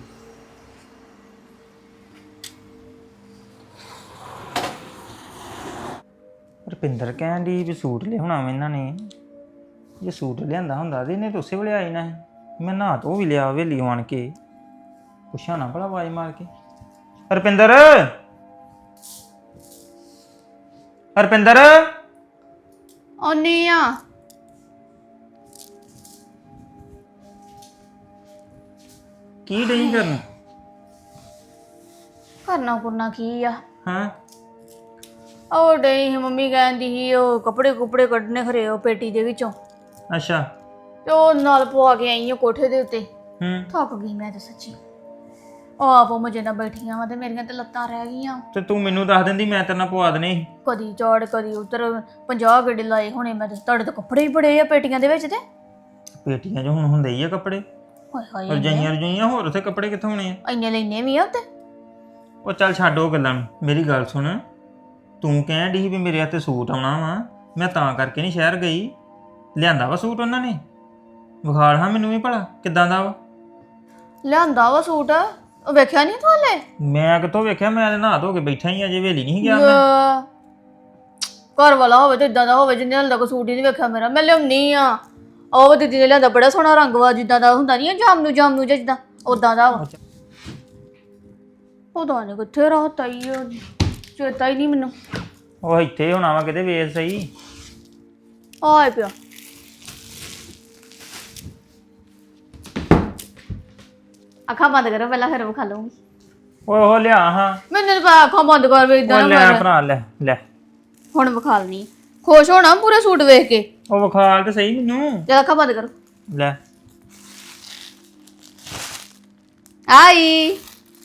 [SPEAKER 8] ਰੁਪਿੰਦਰ ਕਹਿਣ ਦੀ ਵੀ ਸੂਟ ਲਿਆਉਣਾ ਵਾ ਇਹਨਾਂ ਨੇ ਜੇ ਸੂਟ ਲਿਆਂਦਾ ਹੁੰਦਾ ਤੇ ਇਹਨੇ ਤਾਂ ਉਸੇ ਵੇਲੇ ਆਈ ਨਾ ਸੀ। ਮੈਂ ਨਹਾ ਧੋ ਵੀ ਲਿਆ ਹਵੇਲੀ ਆਣ ਕੇ ਪੁੱਛਾਂ ਨਾ ਭਲਾ ਆਵਾਜ਼ ਮਾਰ ਕੇ ਰੁਪਿੰਦਰ ਰੁਪਿੰਦਰ
[SPEAKER 2] ਆਉਣੀ ਆ
[SPEAKER 8] ਕੀ ਡਈ ਕਰਨ
[SPEAKER 2] ਕਰਨਾ ਕੁਰਨਾ ਕੀ ਆ
[SPEAKER 8] ਹਾਂ
[SPEAKER 2] ਉਹ ਡਈ ਸੀ ਮੰਮੀ ਕਹਿੰਦੀ ਸੀ ਉਹ ਕੱਪੜੇ ਕੁਪੜੇ ਕੱਢਨੇ ਖਰੇ ਉਹ ਪੇਟੀ ਦੇ ਵਿੱਚੋਂ
[SPEAKER 8] ਅੱਛਾ
[SPEAKER 2] ਤੇ ਉਹ ਨਾਲ ਪਵਾ ਕੇ ਆਈ ਆ ਕੋਠੇ ਦੇ ਉੱਤੇ
[SPEAKER 8] ਹੂੰ
[SPEAKER 2] ਥੱਕ ਗਈ ਮੈਂ ਤੇ ਸੱਚੀ ਉਹ ਆਪੋ ਮਜੇ ਨਾਲ ਬੈਠੀਆਂ ਵਾ ਤੇ ਮੇਰੀਆਂ ਤੇ ਲੱਤਾਂ ਰਹਿ ਗਈਆਂ
[SPEAKER 8] ਤੇ ਤੂੰ ਮੈਨੂੰ ਦੱਸ ਦਿੰਦੀ ਮੈਂ ਤੇਰੇ ਨਾਲ ਪਵਾ ਦਨੇ ਸੀ।
[SPEAKER 2] ਕਦੀ ਚੌੜ ਕਦੀ ਉਧਰ ਪੰਜਾਹ ਗੇੜੇ ਲਾਏ ਹੋਣੇ ਮੈਂ ਤੇ ਤੁਹਾਡੇ ਤਾਂ ਕੱਪੜੇ ਹੀ ਬੜੇ ਆ ਪੇਟੀਆਂ ਦੇ ਵਿੱਚ ਤੇ
[SPEAKER 8] ਪੇਟੀਆਂ 'ਚ ਹੁਣ ਹੁੰਦੇ ਹੀ ਆ ਕੱਪੜੇ
[SPEAKER 2] ਹਾਏ ਹਾਏ
[SPEAKER 8] ਰਜਾਈਆਂ ਰਜਾਈਆਂ ਹੋਰ ਉੱਥੇ ਕੱਪੜੇ ਕਿੱਥੋਂ ਹੋਣੇ ਆ
[SPEAKER 2] ਇੰਨੇ ਲੈਨੇ ਵੀ ਆ ਉੱਤੇ
[SPEAKER 8] ਉਹ ਚੱਲ ਛੱਡ ਉਹ ਗੱਲਾਂ ਨੂੰ ਮੇਰੀ ਗੱਲ ਸੁਣ ਤੂੰ ਕਹਿਣ ਡਈ ਸੀ ਵੀ ਮੇਰੇ ਹੱਥੇ ਸੂਟ ਆਉਣਾ ਵਾ ਮੈਂ ਤਾਂ ਕਰਕੇ ਨਹੀਂ ਸ਼ਹਿਰ ਗਈ ਲਿਆਂਦਾ ਵਾ ਸੂਟ ਉਹਨਾਂ ਨੇ ਵਿਖਾਲ ਹਾਂ ਮੈਨੂੰ ਵੀ ਭਲਾ ਕਿੱਦਾਂ ਦਾ ਵਾ
[SPEAKER 2] ਲਿਆਂਦਾ ਵਾ ਸੂਟ ਉਹ ਵੇਖਿਆ ਨਹੀਂ ਤੁਹਾਲੇ
[SPEAKER 8] ਮੈਂ ਕਿਤੋਂ ਵੇਖਿਆ ਮੈਂ ਤੇ ਨਹਾ ਧੋ ਕੇ ਬੈਠਾ ਹੀ ਅਜੇ ਵੇਲੀ ਨਹੀਂ ਗਿਆ ਮੈਂ
[SPEAKER 2] ਘਰ ਵਾਲਾ ਹੋਵੇ ਤੇ ਇਦਾਂ ਦਾ ਹੋਵੇ ਜਿੰਨੇ ਹਾਲੇ ਤੱਕ ਸੂਟ ਹੀ ਨਹੀਂ ਵੇਖਿਆ ਮੇਰਾ ਮੈਂ ਲਿਆਉਣੀ ਆ ਉਹ ਦੀਦੀ ਨੇ ਲਿਆਂਦਾ ਬੜਾ ਸੋਹਣਾ ਰੰਗ ਵਾ ਜਿੱਦਾਂ ਦਾ ਹੁੰਦਾ ਨਹੀਂ ਜਾਮ ਨੂੰ ਜਾਮ ਨੂੰ ਜਿੱਦਾਂ ਉਦਾਂ ਦਾ ਵਾ ਉਹਦਾ ਨਹੀਂ ਕਿੱਥੇ ਰਾਤ ਆਈ ਆ, ਚੇਤਾ ਹੀ ਨਹੀਂ ਮੈਨੂੰ
[SPEAKER 8] ਉਹ ਇੱਥੇ ਹੋਣਾ ਵਾ ਕਿਤੇ ਵੇਖ ਸਹੀ
[SPEAKER 2] ਆਏ ਪਿਆ ਅੱਖਾਂ ਬੰਦ ਕਰੋ ਪਹਿਲਾਂ ਫਿਰ ਵਿਖਾ ਲਵਾਂਗੀ
[SPEAKER 8] ਓਏ ਉਹ ਲਿਆ ਹਾਂ
[SPEAKER 2] ਮੈਨੂੰ ਤਾਂ ਅੱਖਾਂ ਬੰਦ ਕਰ ਵੇ ਇਦਾਂ
[SPEAKER 8] ਉਹ ਲੈ ਭਰਾ ਲੈ ਲੈ
[SPEAKER 2] ਹੁਣ ਵਿਖਾ ਲਨੀ ਖੁਸ਼ ਹੋਣਾ ਪੂਰੇ ਸੂਟ ਵੇਖ ਕੇ
[SPEAKER 8] ਉਹ ਵਿਖਾਲ ਤੇ ਸਹੀ ਮੈਨੂੰ
[SPEAKER 2] ਜਦ ਅੱਖਾਂ ਬੰਦ ਕਰੋ
[SPEAKER 8] ਲੈ
[SPEAKER 2] ਆਈ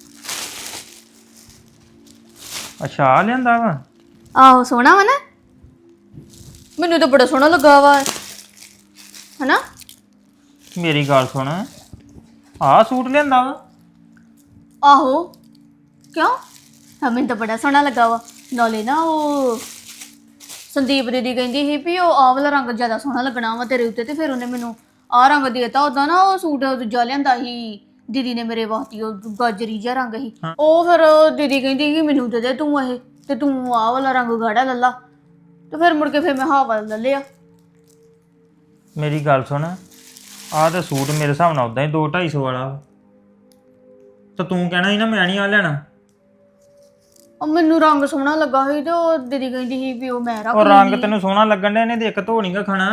[SPEAKER 8] ਅੱਛਾ ਆਹ ਲਿਆਂਦਾ ਵਾ
[SPEAKER 2] ਆਹੋ ਸੋਹਣਾ ਵਾ ਨਾ ਮੈਨੂੰ ਤਾਂ ਬੜਾ ਸੋਹਣਾ ਲੱਗਾ ਵਾ ਹਨਾ
[SPEAKER 8] ਮੇਰੀ ਗੱਲ ਸੁਣ ਆਹ ਸੂਟ ਲਿਆਂਦਾ ਵਾ
[SPEAKER 2] ਆਹੋ ਕਿਉਂ ਹਾਂ ਮੈਨੂੰ ਤਾਂ ਬੜਾ ਸੋਹਣਾ ਲੱਗਾ ਵਾ ਨਾਲੇ ਨਾ ਉਹ ਸੰਦੀਪ ਦੀਦੀ ਕਹਿੰਦੀ ਸੀ ਵੀ ਉਹ ਆਹ ਵਾਲਾ ਰੰਗ ਜ਼ਿਆਦਾ ਸੋਹਣਾ ਲੱਗਣਾ ਵਾ ਤੇਰੇ ਉੱਤੇ ਤੇ ਫਿਰ ਉਹਨੇ ਮੈਨੂੰ ਆਹ ਰੰਗ ਦੇ ਦਿੱਤਾ ਉਦਾਂ ਨਾ ਉਹ ਸੂਟ ਦੂਜਾ ਲਿਆਂਦਾ ਸੀ ਦੀਦੀ ਨੇ ਮੇਰੇ ਵਾਸਤੇ ਉਹ ਗਾਜਰੀ ਜਿਹਾ ਰੰਗ ਸੀ ਉਹ ਫਿਰ ਦੀਦੀ ਕਹਿੰਦੀ ਕਿ ਮੈਨੂੰ ਦੇ ਦੇ ਤੂੰ ਇਹ ਤੇ ਤੂੰ ਆਹ ਵਾਲਾ ਰੰਗ ਗਾੜਾ ਲੈ ਲਾ ਤੇ ਫਿਰ ਮੁੜ ਕੇ ਫਿਰ ਮੈਂ ਆਹ ਵਾਲਾ ਲੈ ਲਿਆ
[SPEAKER 8] ਮੇਰੀ ਗੱਲ ਸੁਣ ਆਹ ਤਾਂ ਸੂਟ ਮੇਰੇ ਹਿਸਾਬ ਨਾਲ ਉਦਾਂ ਹੀ ਦੋ ਢਾਈ ਸੌ ਵਾਲਾ ਵਾ। ਤਾਂ ਤੂੰ ਕਹਿਣਾ ਸੀ ਨਾ ਮੈਂ ਨਹੀਂ ਆ ਲੈਣਾ
[SPEAKER 2] ਉਹ ਮੈਨੂੰ ਰੰਗ ਸੋਹਣਾ ਲੱਗਾ ਸੀ ਤੇ ਉਹ ਦੀਦੀ ਕਹਿੰਦੀ ਸੀ ਵੀ ਉਹ ਮੈਂ ਰੱਖ
[SPEAKER 8] ਉਹ ਰੰਗ
[SPEAKER 2] ਲੈਂਦੀ।
[SPEAKER 8] ਤੈਨੂੰ ਸੋਹਣਾ ਲੱਗਣ ਡਿਆ ਇਹਨੇ ਤੇ ਇੱਕ ਧੋ ਨਹੀਂਗਾ ਖਾਣਾ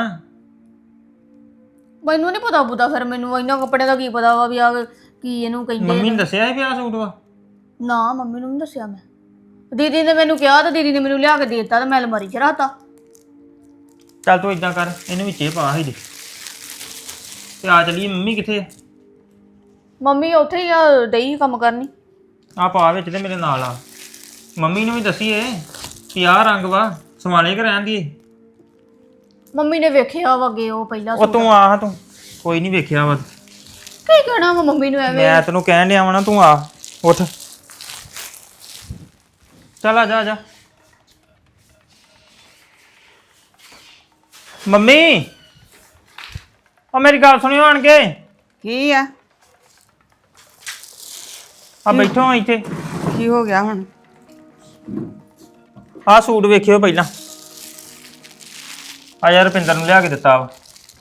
[SPEAKER 2] ਮੈਨੂੰ ਨਹੀਂ ਪਤਾ ਪੁੱਤਾ ਫਿਰ ਮੈਨੂੰ ਇਹਨਾਂ ਕੱਪੜੇ ਦਾ ਕੀ ਪਤਾ ਵਾ ਵੀ ਆ ਕੀ ਇਹਨੂੰ ਕਹਿੰਦੇ
[SPEAKER 8] ਮੰਮੀ ਨੇ ਦੱਸਿਆ ਸੀ ਵੀ ਆਹ ਸੂਟ ਵਾ
[SPEAKER 2] ਨਾ ਮੰਮੀ ਨੂੰ ਨਹੀਂ ਦੱਸਿਆ ਮੈਂ ਦੀਦੀ ਨੇ ਮੈਨੂੰ ਕਿਹਾ ਤਾਂ ਦੀਦੀ ਨੇ ਮੈਨੂੰ ਲਿਆ ਕੇ ਦੇ ਦਿੱਤਾ ਤੇ ਮੈਂ ਅਲਮਾਰੀ 'ਚ ਰੱਖਤਾ
[SPEAKER 8] ਚੱਲ ਤੂੰ ਇਦਾਂ ਕਰ ਇਹਨੂੰ ਵਿੱਚੇ ਪਾ ਹੀ ਦੇ ਤੇ ਆ ਚਲੀਏ ਮੰਮੀ ਕਿੱਥੇ ਆ
[SPEAKER 2] ਮੰਮੀ ਉੱਥੇ ਹੀ ਆ ਡਈ ਕੰਮ ਕਰਨੀ
[SPEAKER 8] ਆ ਪਾ ਵਿੱਚ ਤੇ ਮੇਰੇ ਨਾਲ ਆ ਮੰਮੀ ਨੂੰ ਵੀ ਦੱਸੀਏ ਵੀ ਆਹ ਰੰਗ ਵਾ ਸਮਾਲੇ ਕੇ ਰਹਿਣ ਦੀ
[SPEAKER 2] ਮੰਮੀ ਨੇ ਵੇਖਿਆ ਵਾ ਅੱਗੇ ਉਹ ਪਹਿਲਾਂ
[SPEAKER 8] ਉਹ ਤੂੰ ਆ ਤੂੰ ਕੋਈ ਨਹੀਂ ਵੇਖਿਆ ਵਾ
[SPEAKER 2] ਕੀ ਕਹਿਣਾ ਵਾ ਮੰਮੀ ਨੂੰ ਐਵੇਂ
[SPEAKER 8] ਮੈਂ ਤੈਨੂੰ ਕਹਿਣ ਡਿਆ ਵਾ ਨਾ ਤੂੰ ਆ ਉੱਠ ਚੱਲ ਆ ਜਾ ਆ ਜਾ ਮੰਮੀ ਉਹ ਮੇਰੀ ਗੱਲ ਸੁਣਿਓ ਆਣ ਕੇ
[SPEAKER 4] ਕੀ ਆ
[SPEAKER 8] ਆ ਬੈਠੋ ਇੱਥੇ
[SPEAKER 4] ਕੀ ਹੋ ਗਿਆ ਹੁਣ
[SPEAKER 8] ਆਹ ਸੂਟ ਵੇਖਿਓ ਪਹਿਲਾਂ ਆ ਯਾਰ ਰੁਪਿੰਦਰ ਨੂੰ ਲਿਆ ਕੇ ਦਿੱਤਾ ਵਾ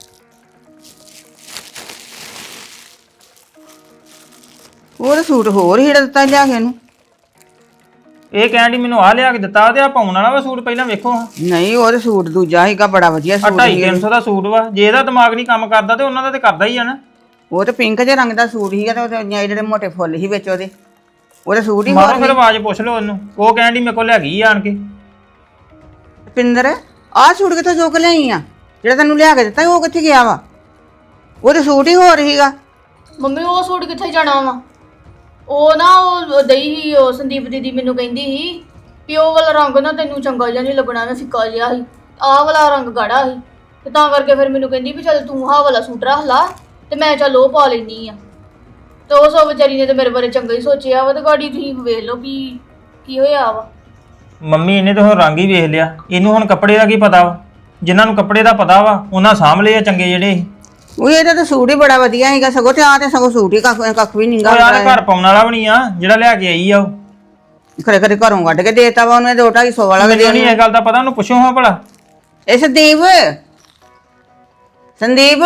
[SPEAKER 4] ਉਹ ਤਾਂ ਸੂਟ ਹੋਰ ਹੀ ਦਿੱਤਾ ਲਿਆ ਕੇ ਇਹਨੂੰ
[SPEAKER 8] ਇਹ ਕਹਿਣ ਦੀ ਮੈਨੂੰ ਆ ਲਿਆ ਕੇ ਦਿੱਤਾ ਤੇ ਆ ਪਾਉਣ ਵਾਲਾ ਵਾ ਸੂਟ ਪਹਿਲਾਂ ਵੇਖੋ ਆ
[SPEAKER 4] ਨਹੀਂ ਉਹ ਤਾਂ ਸੂਟ ਦੂਜਾ ਸੀਗਾ ਬੜਾ ਵਧੀਆ ਸੂਟ
[SPEAKER 8] ਢਾਈ
[SPEAKER 4] ਸੀ
[SPEAKER 8] ਤਿੰਨ ਸੌ ਦਾ ਸੂਟ ਵਾ ਜੇ ਇਹਦਾ ਦਿਮਾਗ ਨਹੀਂ ਕੰਮ ਕਰਦਾ ਤੇ ਉਹਨਾਂ ਦਾ ਤੇ ਕਰਦਾ ਹੀ ਆ ਨਾ
[SPEAKER 4] ਉਹ ਤਾਂ ਪਿੰਕ ਜਿਹੇ ਰੰਗ ਦਾ ਸੂਟ ਸੀਗਾ ਤੇ ਉਹਦੇ ਜਿਹੜੇ ਜਿਹੜੇ ਮੋਟੇ ਫੁੱਲ ਸੀ ਵਿੱਚ ਉਹਦੇ ਉਹਦਾ ਸੂਟ ਹੀ
[SPEAKER 8] ਮਾਰੋ
[SPEAKER 4] ਹੋਰ
[SPEAKER 8] ਫਿਰ ਆਵਾਜ਼ ਪੁੱਛ ਲਓ ਉਹਨੂੰ ਉਹ ਕਹਿਣ ਦੀ ਮੇਰੇ ਕੋਲ ਲੈ ਗਈ ਆਣ ਕੇ
[SPEAKER 4] ਪਿੰਦਰ ਆਹ ਸੂਟ ਕਿੱਥੋਂ ਚੁੱਕ ਲਿਆਈ ਆ ਜਿਹੜਾ ਤੈਨੂੰ ਲਿਆ ਕੇ ਦਿੱਤਾ ਉਹ ਕਿੱਥੇ ਗਿਆ ਵਾ ਉਹ ਤਾਂ ਸੂਟ ਹੀ ਹੋਰ ਸੀਗਾ
[SPEAKER 2] ਮੰਮੀ ਉਹ ਸੂਟ ਕਿੱਥੇ ਜਾਣਾ ਵਾ ਉਹ ਨਾ ਉਹ ਦਈ ਸੀ ਉਹ ਸੰਦੀਪ ਦੀਦੀ ਮੈਨੂੰ ਕਹਿੰਦੀ ਸੀ ਵੀ ਉਹ ਵਾਲਾ ਰੰਗ ਨਾ ਤੈਨੂੰ ਚੰਗਾ ਜਿਹਾ ਨਹੀਂ ਲੱਗਣਾ, ਨਾ ਫਿੱਕਾ ਜਿਹਾ ਸੀ, ਆਹ ਵਾਲਾ ਰੰਗ ਗਾੜਾ ਸੀ, ਤੇ ਤਾਂ ਕਰਕੇ ਫਿਰ ਮੈਨੂੰ ਕਹਿੰਦੀ ਵੀ ਚੱਲ ਤੂੰ ਆਹ ਵਾਲਾ ਸੂਟ ਰੱਖ ਲਾ ਤੇ ਮੈਂ ਚੱਲ ਉਹ ਪਾ ਲੈਣੀ ਆ। ਤੇ ਉਹ ਸੋ ਵਿਚਾਰੀ ਨੇ ਤੇ ਮੇਰੇ ਬਾਰੇ ਚੰਗਾ ਹੀ ਸੋਚਿਆ ਵਾ, ਤੇ ਗਾੜੀ ਤੁਸੀਂ ਵੇਖ ਲਓ ਵੀ ਕੀ ਹੋਇਆ ਵਾ।
[SPEAKER 8] ਮੰਮੀ ਇਹਨੇ ਤਾਂ ਹੁਣ ਰੰਗ ਹੀ ਵੇਖ ਲਿਆ, ਇਹਨੂੰ ਹੁਣ ਕੱਪੜੇ ਦਾ ਕੀ ਪਤਾ ਵਾ? ਜਿਨ੍ਹਾਂ ਨੂੰ ਕੱਪੜੇ ਦਾ ਪਤਾ ਵਾ ਉਹਨਾਂ ਸਾਂਭ ਲਏ ਆ ਚੰਗੇ ਜਿਹੜੇ ਸੀ।
[SPEAKER 4] ਉਹ ਇਹਦਾ ਤਾਂ ਸੂਟ ਹੀ ਬੜਾ ਵਧੀਆ ਹੈਗਾ ਸਗੋਂ, ਤੇ ਆ ਤੇ ਸਗੋਂ ਸੂਟ ਹੀ ਕੱਖ ਕੱਖ ਵੀ ਨਹੀਂਗਾ।
[SPEAKER 8] ਉਹ ਯਾਰ ਘਰ ਪਾਉਣ ਵਾਲਾ ਵੀ ਨਹੀਂ ਆ ਜਿਹੜਾ ਲਿਆ ਕੇ ਆਈ ਆ ਉਹ।
[SPEAKER 4] ਖਰੇ ਖਰੇ ਘਰੋਂ ਕੱਢ ਕੇ ਦੇਤਾ ਵਾ ਉਹਨੇ ਦੋ ਢਾਈ ਸੌ ਵਾਲਾ
[SPEAKER 8] ਮੈਨੂੰ ਨਹੀਂ ਇਹ ਗੱਲ ਦਾ ਪਤਾ, ਉਹਨੂੰ ਪੁੱਛੋ ਹਾਂ ਭਲਾ।
[SPEAKER 4] ਇਹ ਸੰਦੀਪ ਸੰਦੀਪ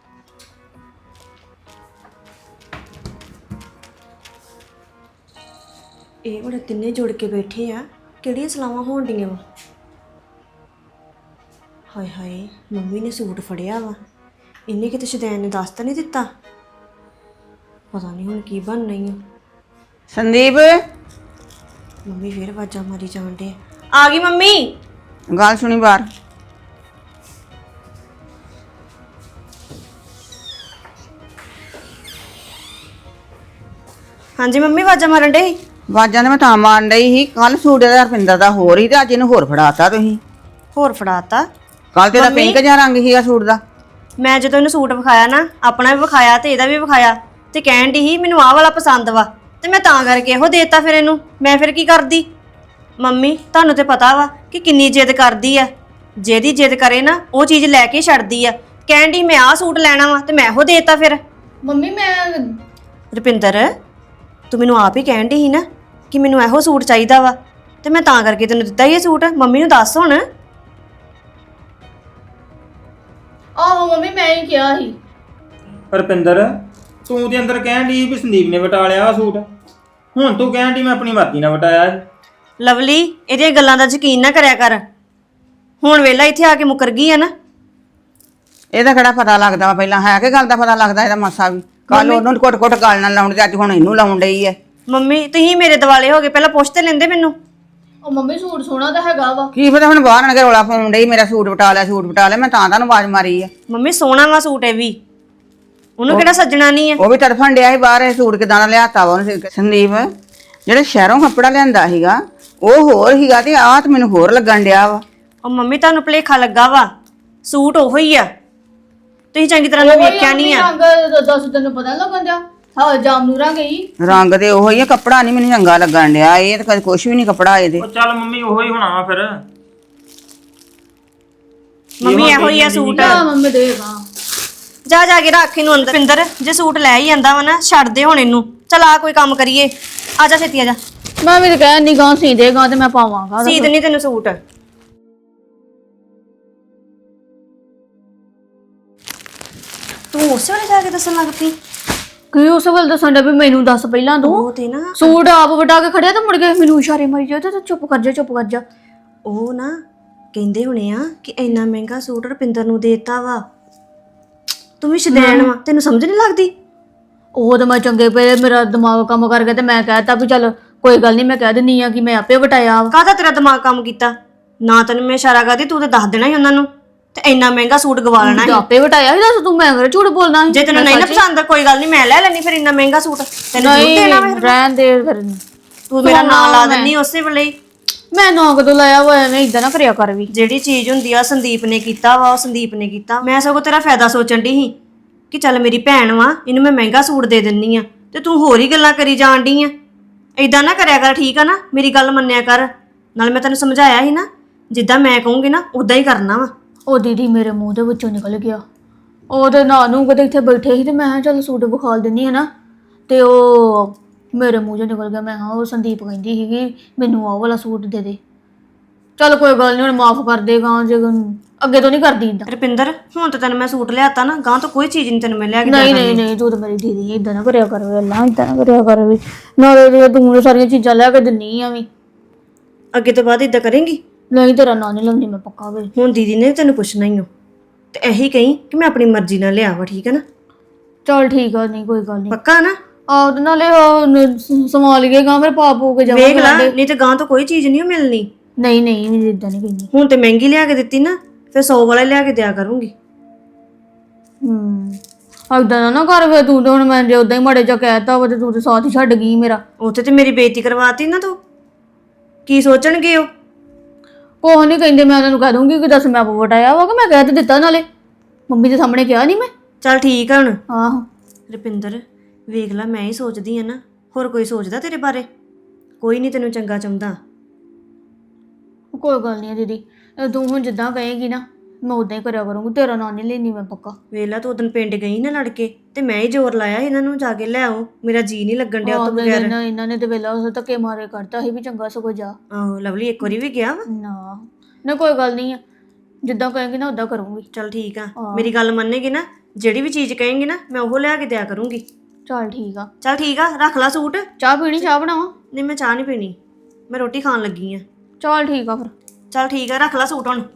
[SPEAKER 5] ਇਹ ਬੜੇ ਤਿੰਨੇ ਜੁੜ ਕੇ ਬੈਠੇ ਆ, ਕਿਹੜੀਆਂ ਸਲਾਵਾਂ ਹੋਣ ਡੀਆਂ ਵਾ? ਹਾਏ ਹਾਏ, ਮੰਮੀ ਨੇ ਸੂਟ ਫੜਿਆ ਵਾ, ਇਹਨੇ ਕਿਤੇ ਸ਼ਦੈਨ ਨੇ ਦੱਸ ਤਾਂ ਨਹੀਂ ਦਿੱਤਾ? ਪਤਾ ਨਹੀਂ ਹੁਣ ਕੀ ਬਣਨਾ ਹੀ ਆ।
[SPEAKER 4] ਸੰਦੀਪ
[SPEAKER 5] ਮੰਮੀ ਫੇਰ ਆਵਾਜ਼ਾਂ ਮਾਰੀ ਜਾਣ ਡੇ। ਆ ਗਈ ਮੰਮੀ।
[SPEAKER 4] ਗੱਲ ਸੁਣੀ ਬਾਹਰ।
[SPEAKER 5] ਹਾਂਜੀ ਮੰਮੀ ਆਵਾਜ਼ਾਂ ਮਾਰਨ ਡੇ।
[SPEAKER 4] ਆਵਾਜ਼ਾਂ ਤੇ ਮੈਂ ਤਾਂ ਮਾਰਨ ਡਈ ਸੀ, ਕੱਲ ਸੂਟ ਇਹਦਾ ਰਪਿੰਦਰ ਦਾ ਹੋਰ ਹੀ ਤੇ ਅੱਜ ਇਹਨੂੰ ਹੋਰ ਫੜਾਤਾ ਤੁਸੀਂ।
[SPEAKER 5] ਹੋਰ ਫੜਾਤਾ?
[SPEAKER 4] ਕੱਲ ਤੇਰਾ ਪਿੰਕ ਜਿਹਾ ਰੰਗ ਸੀਗਾ ਸੂਟ ਦਾ।
[SPEAKER 5] ਮੈਂ ਜਦੋਂ ਇਹਨੂੰ ਸੂਟ ਵਿਖਾਇਆ ਨਾ, ਆਪਣਾ ਵੀ ਵਿਖਾਇਆ ਤੇ ਇਹਦਾ ਵੀ ਵਿਖਾਇਆ, ਤੇ ਕਹਿਣ ਦੀ ਸੀ ਮੈਨੂੰ ਆਹ ਵਾਲਾ ਪਸੰਦ ਵਾ, ਤੇ ਮੈਂ ਤਾਂ ਕਰਕੇ ਇਹੋ ਦੇਤਾ ਫਿਰ ਇਹਨੂੰ। ਮੈਂ ਫਿਰ ਕੀ ਕਰਦੀ? ਮੰਮੀ ਤੁਹਾਨੂੰ ਤੇ ਪਤਾ ਵਾ ਕਿ ਕਿੰਨੀ ਜਿੱਦ ਕਰਦੀ ਆ, ਜਿਹਦੀ ਜਿੱਦ ਕਰੇ ਨਾ ਉਹ ਚੀਜ਼ ਲੈ ਕੇ ਛੱਡਦੀ ਆ। ਕਹਿਣ ਦੀ ਮੈਂ ਆਹ ਸੂਟ ਲੈਣਾ ਵਾ ਤੇ ਮੈਂ ਇਹੋ ਦੇਤਾ ਫਿਰ।
[SPEAKER 2] ਮੰਮੀ ਮੈਂ
[SPEAKER 5] ਰੁਪਿੰਦਰ ਤੂੰ ਮੈਨੂੰ ਆਪ ਹੀ ਕਹਿਣ ਦੀ ਸੀ ਨਾ ਕਿ ਮੈਨੂੰ ਇਹੋ ਸੂਟ ਚਾਹੀਦਾ ਵਾ, ਤੇ ਮੈਂ ਤਾਂ ਕਰਕੇ ਤੈਨੂੰ ਦਿੱਤਾ ਹੀ ਇਹ ਸੂਟ। ਮੰਮੀ ਨੂੰ ਦੱਸ ਹੁਣ।
[SPEAKER 2] ਆਹੋ ਮੰਮੀ ਮੈਂ ਹੀ ਕਿਹਾ ਸੀ।
[SPEAKER 8] ਰੁਪਿੰਦਰ ਤੂੰ ਦੇ ਅੰਦਰ ਕਹਿਣ ਦੀ ਵੀ ਸੰਦੀਪ ਨੇ ਵਟਾ ਲਿਆ ਆ ਸੂਟ, ਹੁਣ ਤੂੰ ਕਹਿਣ ਦੀ ਮੈਂ ਆਪਣੀ ਮਰਜ਼ੀ ਨਾਲ ਵਟਾਇਆ।
[SPEAKER 5] ਲਵਲੀ ਇਹਦੀਆਂ ਗੱਲਾਂ ਦਾ ਯਕੀਨ ਨਾ ਕਰਿਆ ਕਰ, ਹੁਣ ਵੇਲਾ ਇੱਥੇ ਆ ਕੇ ਮੁਕਰ ਗਈ ਆ ਨਾ।
[SPEAKER 4] ਇਹਦਾ ਕਿਹੜਾ ਪਤਾ ਲੱਗਦਾ ਵਾ, ਪਹਿਲਾਂ ਹੈ ਕਿ ਗੱਲ ਦਾ ਪਤਾ ਲੱਗਦਾ ਇਹਦਾ ਮਾਸਾ ਵੀ। ਕੱਲ ਉਹਨੂੰ ਕੋਟ ਕੋਟ ਗਾਲ ਨਾਲ ਲਾਉਣ ਤੇ ਅੱਜ ਹੁਣ ਇਹਨੂੰ ਲਾਉਣ ਡਈ ਐ।
[SPEAKER 5] ਮੰਮੀ ਤੁਸੀਂ ਮੇਰੇ ਦਿਵਾਲੇ ਹੋ ਗਏ, ਪਹਿਲਾਂ ਪੁੱਛ ਤੇ ਲੈਂਦੇ ਮੈਨੂੰ।
[SPEAKER 2] ਉਹ ਮੰਮੀ ਸੂਟ ਸੋਹਣਾ ਤਾਂ ਹੈਗਾ ਵਾ।
[SPEAKER 4] ਕੀ ਪਤਾ ਹੁਣ ਬਾਹਰ ਆਣ ਕੇ ਰੌਲਾ ਪਾਉਣ ਡਈ ਮੇਰਾ ਸੂਟ ਵਟਾ ਲਿਆ ਸੂਟ ਵਟਾ ਲਿਆ, ਮੈਂ ਤਾਂ ਤੁਹਾਨੂੰ ਆਵਾਜ਼ ਮਾਰੀ ਐ।
[SPEAKER 5] ਮੰਮੀ ਸੋਹਣਾ ਵਾ ਸੂਟ ਇਹ ਵੀ, ਉਹਨੂੰ ਕਿਹੜਾ ਸੱਜਣਾ ਨਹੀਂ ਆ।
[SPEAKER 4] ਉਹ ਵੀ ਤੜਫਣ ਡਿਆ ਸੀ ਬਾਹਰ, ਇਹ ਸੂਟ ਕਿਦਾਂ ਦਾ ਲਿਆਤਾ ਵਾ ਉਹਨੇ। ਸੰਦੀਪ ਜਿਹੜੇ ਸ਼ਹਿਰੋਂ ਕੱਪੜਾ ਲਿਆਂਦਾ ਸੀਗਾ ਉਹ ਹੋਰ ਸੀਗਾ ਤੇ ਆਹ ਤੇ ਮੈਨੂੰ ਹੋਰ ਲੱਗਣ ਡਿਆ ਵਾ।
[SPEAKER 5] ਉਹ ਮੰਮੀ ਤੁਹਾਨੂੰ ਭੁਲੇਖਾ ਲੱਗਾ ਵਾ, ਸੂਟ ਉਹੋ ਹੀ ਆ, ਤੁਸੀਂ ਚੰਗੀ ਤਰ੍ਹਾਂ ਨਾਲ ਵੇਖਿਆ ਨਹੀਂ ਆ।
[SPEAKER 2] ਰੰਗ ਦੱਸ ਤੈਨੂੰ ਪਤਾ ਲੱਗਣ ਦਿਆ? ਹਾਂ ਜਾਮਨੂ ਰੰਗ ਹੀ
[SPEAKER 4] ਰੰਗ ਤੇ ਉਹੋ ਹੀ ਆ, ਕੱਪੜਾ ਨਹੀਂ ਮੈਨੂੰ ਚੰਗਾ ਲੱਗਣ ਡਿਆ। ਇਹ ਤਾਂ ਕਦੇ ਕੁਛ ਵੀ ਨਹੀਂ ਕੱਪੜਾ ਇਹਦੇ।
[SPEAKER 8] ਉਹ ਚੱਲ ਮੰਮੀ ਉਹੋ ਹੀ ਹੋਣਾ ਵਾ ਫਿਰ।
[SPEAKER 5] ਮੰਮੀ ਇਹੋ ਹੀ ਆ ਸੂਟ।
[SPEAKER 2] ਆ ਮੰਮੀ ਦੇਗਾ।
[SPEAKER 5] ਜਾ ਜਾ ਕੇ ਰੱਖ ਇਹਨੂੰ ਅੰਦਰ। ਪਿੰਦਰ ਜੇ ਸੂਟ ਲੈ ਹੀ ਜਾਂਦਾ ਵਾ ਨਾ, ਛੱਡ ਦੇ ਹੁਣ ਇਹਨੂੰ। ਚਲ ਆ ਕੋਈ ਕੰਮ ਕਰੀਏ, ਆ ਜਾ ਛੇਤੀ ਆ ਜਾ।
[SPEAKER 2] ਮੈਂ ਵੀ ਤਾਂ ਕਹਿ ਨਹੀਂ ਗਾਂ ਸੀ ਦੇਗਾ ਤੇ ਮੈਂ ਪਾਵਾਂਗਾ।
[SPEAKER 5] ਸੀਤ ਨਹੀਂ ਤੈਨੂੰ ਸੂਟ। ਤੂੰ ਉਸੇ ਵੇਲੇ ਜਾ ਕੇ ਦੱਸਣ ਲੱਗ ਪਈ?
[SPEAKER 2] ਕੀ ਉਸ ਵੱਲ ਦੱਸਣ ਦਾ ਵੀ ਮੈਨੂੰ ਦੱਸ ਪਹਿਲਾਂ
[SPEAKER 5] ਉਹ
[SPEAKER 2] ਤੂੰ।
[SPEAKER 5] ਤੇ ਨਾ
[SPEAKER 2] ਸੂਟ ਆਪ ਵਟਾ ਕੇ ਖੜਿਆ ਤੇ ਮੁੜ ਕੇ ਮੈਨੂੰ ਇਸ਼ਾਰੇ ਮਾਰੀ ਜਾ ਤੇ ਚੁੱਪ ਕਰ ਜਾ ਚੁੱਪ ਕਰ ਜਾ।
[SPEAKER 5] ਉਹ ਨਾ ਕਹਿੰਦੇ ਹੋਣੇ ਆ ਕਿ ਇੰਨਾ ਮਹਿੰਗਾ ਸੂਟ ਰੁਪਿੰਦਰ ਨੂੰ ਦੇਤਾ ਵਾ। ਤੂੰ ਵੀ ਸ਼ਦੈਣ ਵਾ, ਤੈਨੂੰ ਸਮਝ ਨਹੀਂ ਲੱਗਦੀ?
[SPEAKER 2] ਉਹ ਤਾਂ ਮੈਂ ਚੰਗੇ ਪਏ ਮੇਰਾ ਦਿਮਾਗ ਕੰਮ ਕਰ ਗਿਆ ਤੇ ਮੈਂ ਕਹਿਤਾ ਵੀ ਚੱਲ ਕੋਈ ਗੱਲ ਨਹੀਂ, ਮੈਂ ਕਹਿ ਦਿੰਨੀ ਆ ਕਿ ਮੈਂ ਆਪੇ ਵਟਾਇਆ ਵਾ।
[SPEAKER 5] ਕਾਹਦਾ ਤੇਰਾ ਦਿਮਾਗ ਕੰਮ ਕੀਤਾ? ਨਾ ਤੈਨੂੰ ਮੈਂ ਇਸ਼ਾਰਾ ਕਰਦੀ, ਤੂੰ ਤੇ ਦੱਸ ਦੇਣਾ ਸੀ ਉਹਨਾਂ ਨੂੰ, ਤੇ ਇੰਨਾ ਮਹਿੰਗਾ ਸੂਟ ਗਵਾ ਲੈਣਾ
[SPEAKER 2] ਤੂੰ
[SPEAKER 5] ਸੀ।
[SPEAKER 2] ਆਪੇ ਵਟਾਇਆ ਸੀ, ਦੱਸ ਤੂੰ ਮੈਂ ਕਿਹੜਾ ਝੂਠ ਬੋਲਣਾ ਸੀ।
[SPEAKER 5] ਜੇ ਤੈਨੂੰ ਨਹੀਂ ਨਾ ਪਸੰਦ ਕੋਈ ਗੱਲ ਨਹੀਂ, ਮੈਂ ਲੈ ਲੈਣੀ ਫਿਰ ਇੰਨਾ ਮਹਿੰਗਾ ਸੂਟ। ਤੈਨੂੰ ਜ਼ਰੂਰ ਦੇਣਾ ਵਾ ਫਿਰ।
[SPEAKER 2] ਰਹਿਣ ਦੇ ਫਿਰ।
[SPEAKER 5] ਤੂੰ ਮੇਰਾ ਨਾਂ ਲਾ ਦਿੰਨੀ ਉਸੇ ਵੇਲੇ ਹੀ।
[SPEAKER 2] ਮੈਂ ਨਾਂ ਕਦੋਂ ਲਾਇਆ ਵਾ? ਐਵੇਂ ਇਦਾਂ ਨਾ ਕਰਿਆ ਕਰ ਵੀ।
[SPEAKER 5] ਜਿਹੜੀ ਚੀਜ਼ ਹੁੰਦੀ ਆ ਸੰਦੀਪ ਨੇ ਕੀਤਾ ਵਾ, ਉਹ ਸੰਦੀਪ ਨੇ ਕੀਤਾ। ਮੈਂ ਸਗੋਂ ਤੇਰਾ ਫਾਇਦਾ ਸੋਚਣ ਦੀ ਸੀ ਕਿ ਚੱਲ ਮੇਰੀ ਭੈਣ ਵਾ, ਇਹਨੂੰ ਮੈਂ ਮਹਿੰਗਾ ਸੂਟ ਦੇ ਦਿੰਨੀ ਆ, ਤੇ ਤੂੰ ਹੋਰ ਹੀ ਗੱਲਾਂ ਕਰੀ ਜਾਣ ਡਈ ਆ। ਏਦਾਂ ਨਾ ਕਰਿਆ ਕਰ, ਠੀਕ ਆ ਨਾ? ਮੇਰੀ ਗੱਲ ਮੰਨਿਆ ਕਰ। ਨਾਲ ਮੈਂ ਤੈਨੂੰ ਸਮਝਾਇਆ ਸੀ ਨਾ, ਜਿੱਦਾਂ ਮੈਂ ਕਹੂੰਗੀ ਨਾ ਉਦਾਂ ਹੀ ਕਰਨਾ ਵਾ।
[SPEAKER 2] ਉਹ ਦੀਦੀ ਮੇਰੇ ਮੂੰਹ ਦੇ ਵਿੱਚੋਂ ਨਿਕਲ ਗਿਆ। ਉਹਦੇ ਨਾਂ ਨੂੰ ਕਦੇ ਇੱਥੇ ਬੈਠੇ ਸੀ ਤੇ ਮੈਂ ਕਿਹਾ ਚੱਲ ਸੂਟ ਵਿਖਾਲ ਦਿੰਨੀ ਹੈ ਨਾ, ਤੇ ਉਹ ਮੇਰੇ ਮੂੰਹ 'ਚੋਂ ਨਿਕਲ ਗਿਆ। ਮੈਂ ਹਾਂ ਉਹ ਸੰਦੀਪ ਕਹਿੰਦੀ ਸੀਗੀ ਮੈਨੂੰ ਆਹ ਵਾਲਾ ਸੂਟ ਦੇ ਦੇ। ਚੱਲ ਕੋਈ ਗੱਲ ਨਹੀਂ, ਹੁਣ ਮਾਫ ਕਰ ਦੇਗਾ, ਜੇ ਅੱਗੇ ਤੋਂ ਨਹੀਂ ਕਰਦੀ ਇਦਾਂ।
[SPEAKER 5] ਰੁਪਿੰਦਰ ਹੁਣ ਤਾਂ ਤੈਨੂੰ ਮੈਂ ਸੂਟ ਲਿਆਤਾ ਨਾ, ਗਾਂ ਤੋਂ ਕੋਈ ਚੀਜ਼ ਨਹੀਂ ਤੈਨੂੰ ਮੈਂ ਲਿਆ ਕੇ
[SPEAKER 2] ਨਹੀਂ ਨਹੀਂ ਨਹੀਂ ਤੂੰ ਤਾਂ ਮੇਰੀ ਦੀਦੀ ਇਦਾਂ ਨਾ ਕਰਿਆ ਕਰ, ਅੱਲਾ ਇਦਾਂ ਨਾ ਕਰਿਆ ਕਰ ਵੀ। ਨਾਲੇ ਤੂੰ ਸਾਰੀਆਂ ਚੀਜ਼ਾਂ ਲਿਆ ਕੇ ਦਿੰਨੀ ਆ ਵੀ।
[SPEAKER 5] ਅੱਗੇ ਤੋਂ ਬਾਅਦ ਇਦਾਂ ਕਰੇਂਗੀ?
[SPEAKER 2] ਨਹੀਂ ਤੇਰਾ ਨਾਂ ਨਹੀਂ ਲਾਉਂਦੀ ਮੈਂ ਪੱਕਾ ਵੀ।
[SPEAKER 5] ਹੁਣ ਦੀਦੀ ਨੇ ਤੈਨੂੰ ਪੁੱਛਣਾ ਹੀ ਹੋ, ਤੇ ਇਹੀ ਕਹੀਂ ਕਿ ਮੈਂ ਆਪਣੀ ਮਰਜ਼ੀ ਨਾਲ ਲਿਆ ਵਾ, ਠੀਕ ਹੈ ਨਾ?
[SPEAKER 2] ਚੱਲ ਠੀਕ ਆ, ਨਹੀਂ ਕੋਈ ਗੱਲ ਨਹੀਂ।
[SPEAKER 5] ਪੱਕਾ ਨਾ?
[SPEAKER 2] ਆਹ ਤੇ ਨਾਲੇ ਉਹ ਸੰਭਾਲ ਕੇ ਗਾਂ ਫਿਰ ਪਾ ਪੂ ਕੇ
[SPEAKER 5] ਵੇਖ ਲੈ,
[SPEAKER 2] ਜਾਵਾਂਗੇ।
[SPEAKER 5] ਨਹੀਂ ਤੇ ਗਾਂ ਤੋਂ ਕੋਈ ਚੀਜ਼ ਨਹੀਂ ਮਿਲਣੀ।
[SPEAKER 2] ਨਹੀਂ ਨਹੀਂ ਮੈਂ ਇਦਾਂ ਨਹੀਂ ਕਹਿੰਦੀ।
[SPEAKER 5] ਹੁਣ ਤੇ ਮਹਿੰਗੀ ਲਿਆ ਕੇ ਦਿੱਤੀ ਨਾ, ਫਿਰ ਸੌ ਵਾਲਾ ਲਿਆ ਕੇ ਦਿਆ ਕਰੂੰਗੀ।
[SPEAKER 2] ਹੂੰ ਏਦਾਂ ਨਾ ਕਰ ਫਿਰ ਤੂੰ। ਤੇ ਹੁਣ ਮੈਂ ਜੇ ਉਦਾਂ ਹੀ ਮਾੜੇ ਜਿਹਾ ਕਹਿਤਾ ਵਾ ਤੇ ਤੂੰ ਤੇ ਸਾਥ ਹੀ ਛੱਡ ਗਈ ਮੇਰਾ।
[SPEAKER 5] ਉੱਥੇ ਤੇ ਮੇਰੀ ਬੇਇੱਜ਼ਤੀ ਕਰਵਾਤੀ ਨਾ ਤੂੰ, ਕੀ ਸੋਚਣਗੇ ਉਹ?
[SPEAKER 2] ਉਹ ਨਹੀਂ ਕਹਿੰਦੇ, ਮੈਂ ਉਹਨਾਂ ਨੂੰ ਕਹਿ ਦੂੰਗੀ ਕਿ ਦੱਸ ਮੈਂ ਵਟਾਇਆ ਵਾ ਕਿ ਮੈਂ ਕਹਿ ਤੇ ਦਿੱਤਾ, ਨਾਲੇ ਮੰਮੀ ਦੇ ਸਾਹਮਣੇ ਕਿਹਾ ਨਹੀਂ ਮੈਂ।
[SPEAKER 5] ਚੱਲ ਠੀਕ ਆ ਹੁਣ।
[SPEAKER 2] ਆਹੋ
[SPEAKER 5] ਰੁਪਿੰਦਰ ਵੇਖ ਲੈ, ਮੈਂ ਹੀ ਸੋਚਦੀ ਆ ਨਾ, ਹੋਰ ਕੋਈ ਸੋਚਦਾ ਤੇਰੇ ਬਾਰੇ? ਕੋਈ ਨਹੀਂ ਤੈਨੂੰ ਚੰਗਾ ਚਾਹੁੰਦਾ।
[SPEAKER 2] ਕੋਈ ਗੱਲ ਨਹੀਂ ਦੀਦੀ, ਤੂੰ ਹੁਣ ਜਿੱਦਾਂ ਕਹੇਗੀ ਨਾ ਮੈਂ ਉਦਾਂ ਹੀ ਕਰਿਆ ਕਰੂੰਗੀ, ਤੇਰਾ ਨਾਂ ਨਹੀਂ ਲੈਣੀ ਮੈਂ ਪੱਕਾ।
[SPEAKER 5] ਵੇਖ ਲੈ ਤੂੰ ਉਦੋਂ ਪਿੰਡ ਗਈ ਨਾ ਲੜ ਕੇ, ਤੇ ਮੈਂ ਹੀ ਜ਼ੋਰ ਲਾਇਆ ਇਹਨਾਂ ਨੂੰ ਜਾ ਕੇ ਲੈ ਆਓ, ਮੇਰਾ ਜੀ ਨਹੀਂ ਲੱਗਣ ਡਿਆ ਉਹ ਤੋਂ ਬਗੈਰ।
[SPEAKER 2] ਇਹਨਾਂ ਇਹਨਾਂ ਨੇ ਤੇ ਵੇਲਾ ਉਸ ਧੱਕੇ ਮਾਰੇ ਕਰਤਾ ਸੀ ਵੀ ਚੰਗਾ ਸਗੋਂ ਜਾ।
[SPEAKER 5] ਆਹੋ ਲਵਲੀ ਇੱਕ ਵਾਰੀ ਵੀ ਗਿਆ ਵਾ।
[SPEAKER 2] ਨਾ ਨਾ ਕੋਈ ਗੱਲ ਨਹੀਂ ਆ, ਜਿੱਦਾਂ ਕਹੇਗੀ ਨਾ ਉਦਾਂ ਕਰੂੰਗੀ।
[SPEAKER 5] ਚੱਲ ਠੀਕ ਆ, ਮੇਰੀ ਗੱਲ ਮੰਨੇਗੀ ਨਾ, ਜਿਹੜੀ ਵੀ ਚੀਜ਼ ਕਹੇਂਗੀ ਨਾ ਮੈਂ ਉਹ ਲਿਆ ਕੇ ਦਿਆ ਕਰੂੰਗੀ।
[SPEAKER 2] ਚੱਲ ਠੀਕ ਆ।
[SPEAKER 5] ਚੱਲ ਠੀਕ ਆ, ਰੱਖ ਲਾ ਸੂਟ।
[SPEAKER 2] ਚਾਹ ਪੀਣੀ? ਚਾਹ ਬਣਾਵਾਂ?
[SPEAKER 5] ਨਹੀਂ ਮੈਂ ਚਾਹ ਨਹੀਂ ਪੀਣੀ, ਮੈਂ ਰੋਟੀ ਖਾਣ ਲੱਗੀ ਆ।
[SPEAKER 2] ਚੱਲ ਠੀਕ ਆ ਫਿਰ।
[SPEAKER 5] ਚੱਲ ਠੀਕ ਆ, ਰੱਖ ਲਾ ਸੂਟ ਹੁਣ।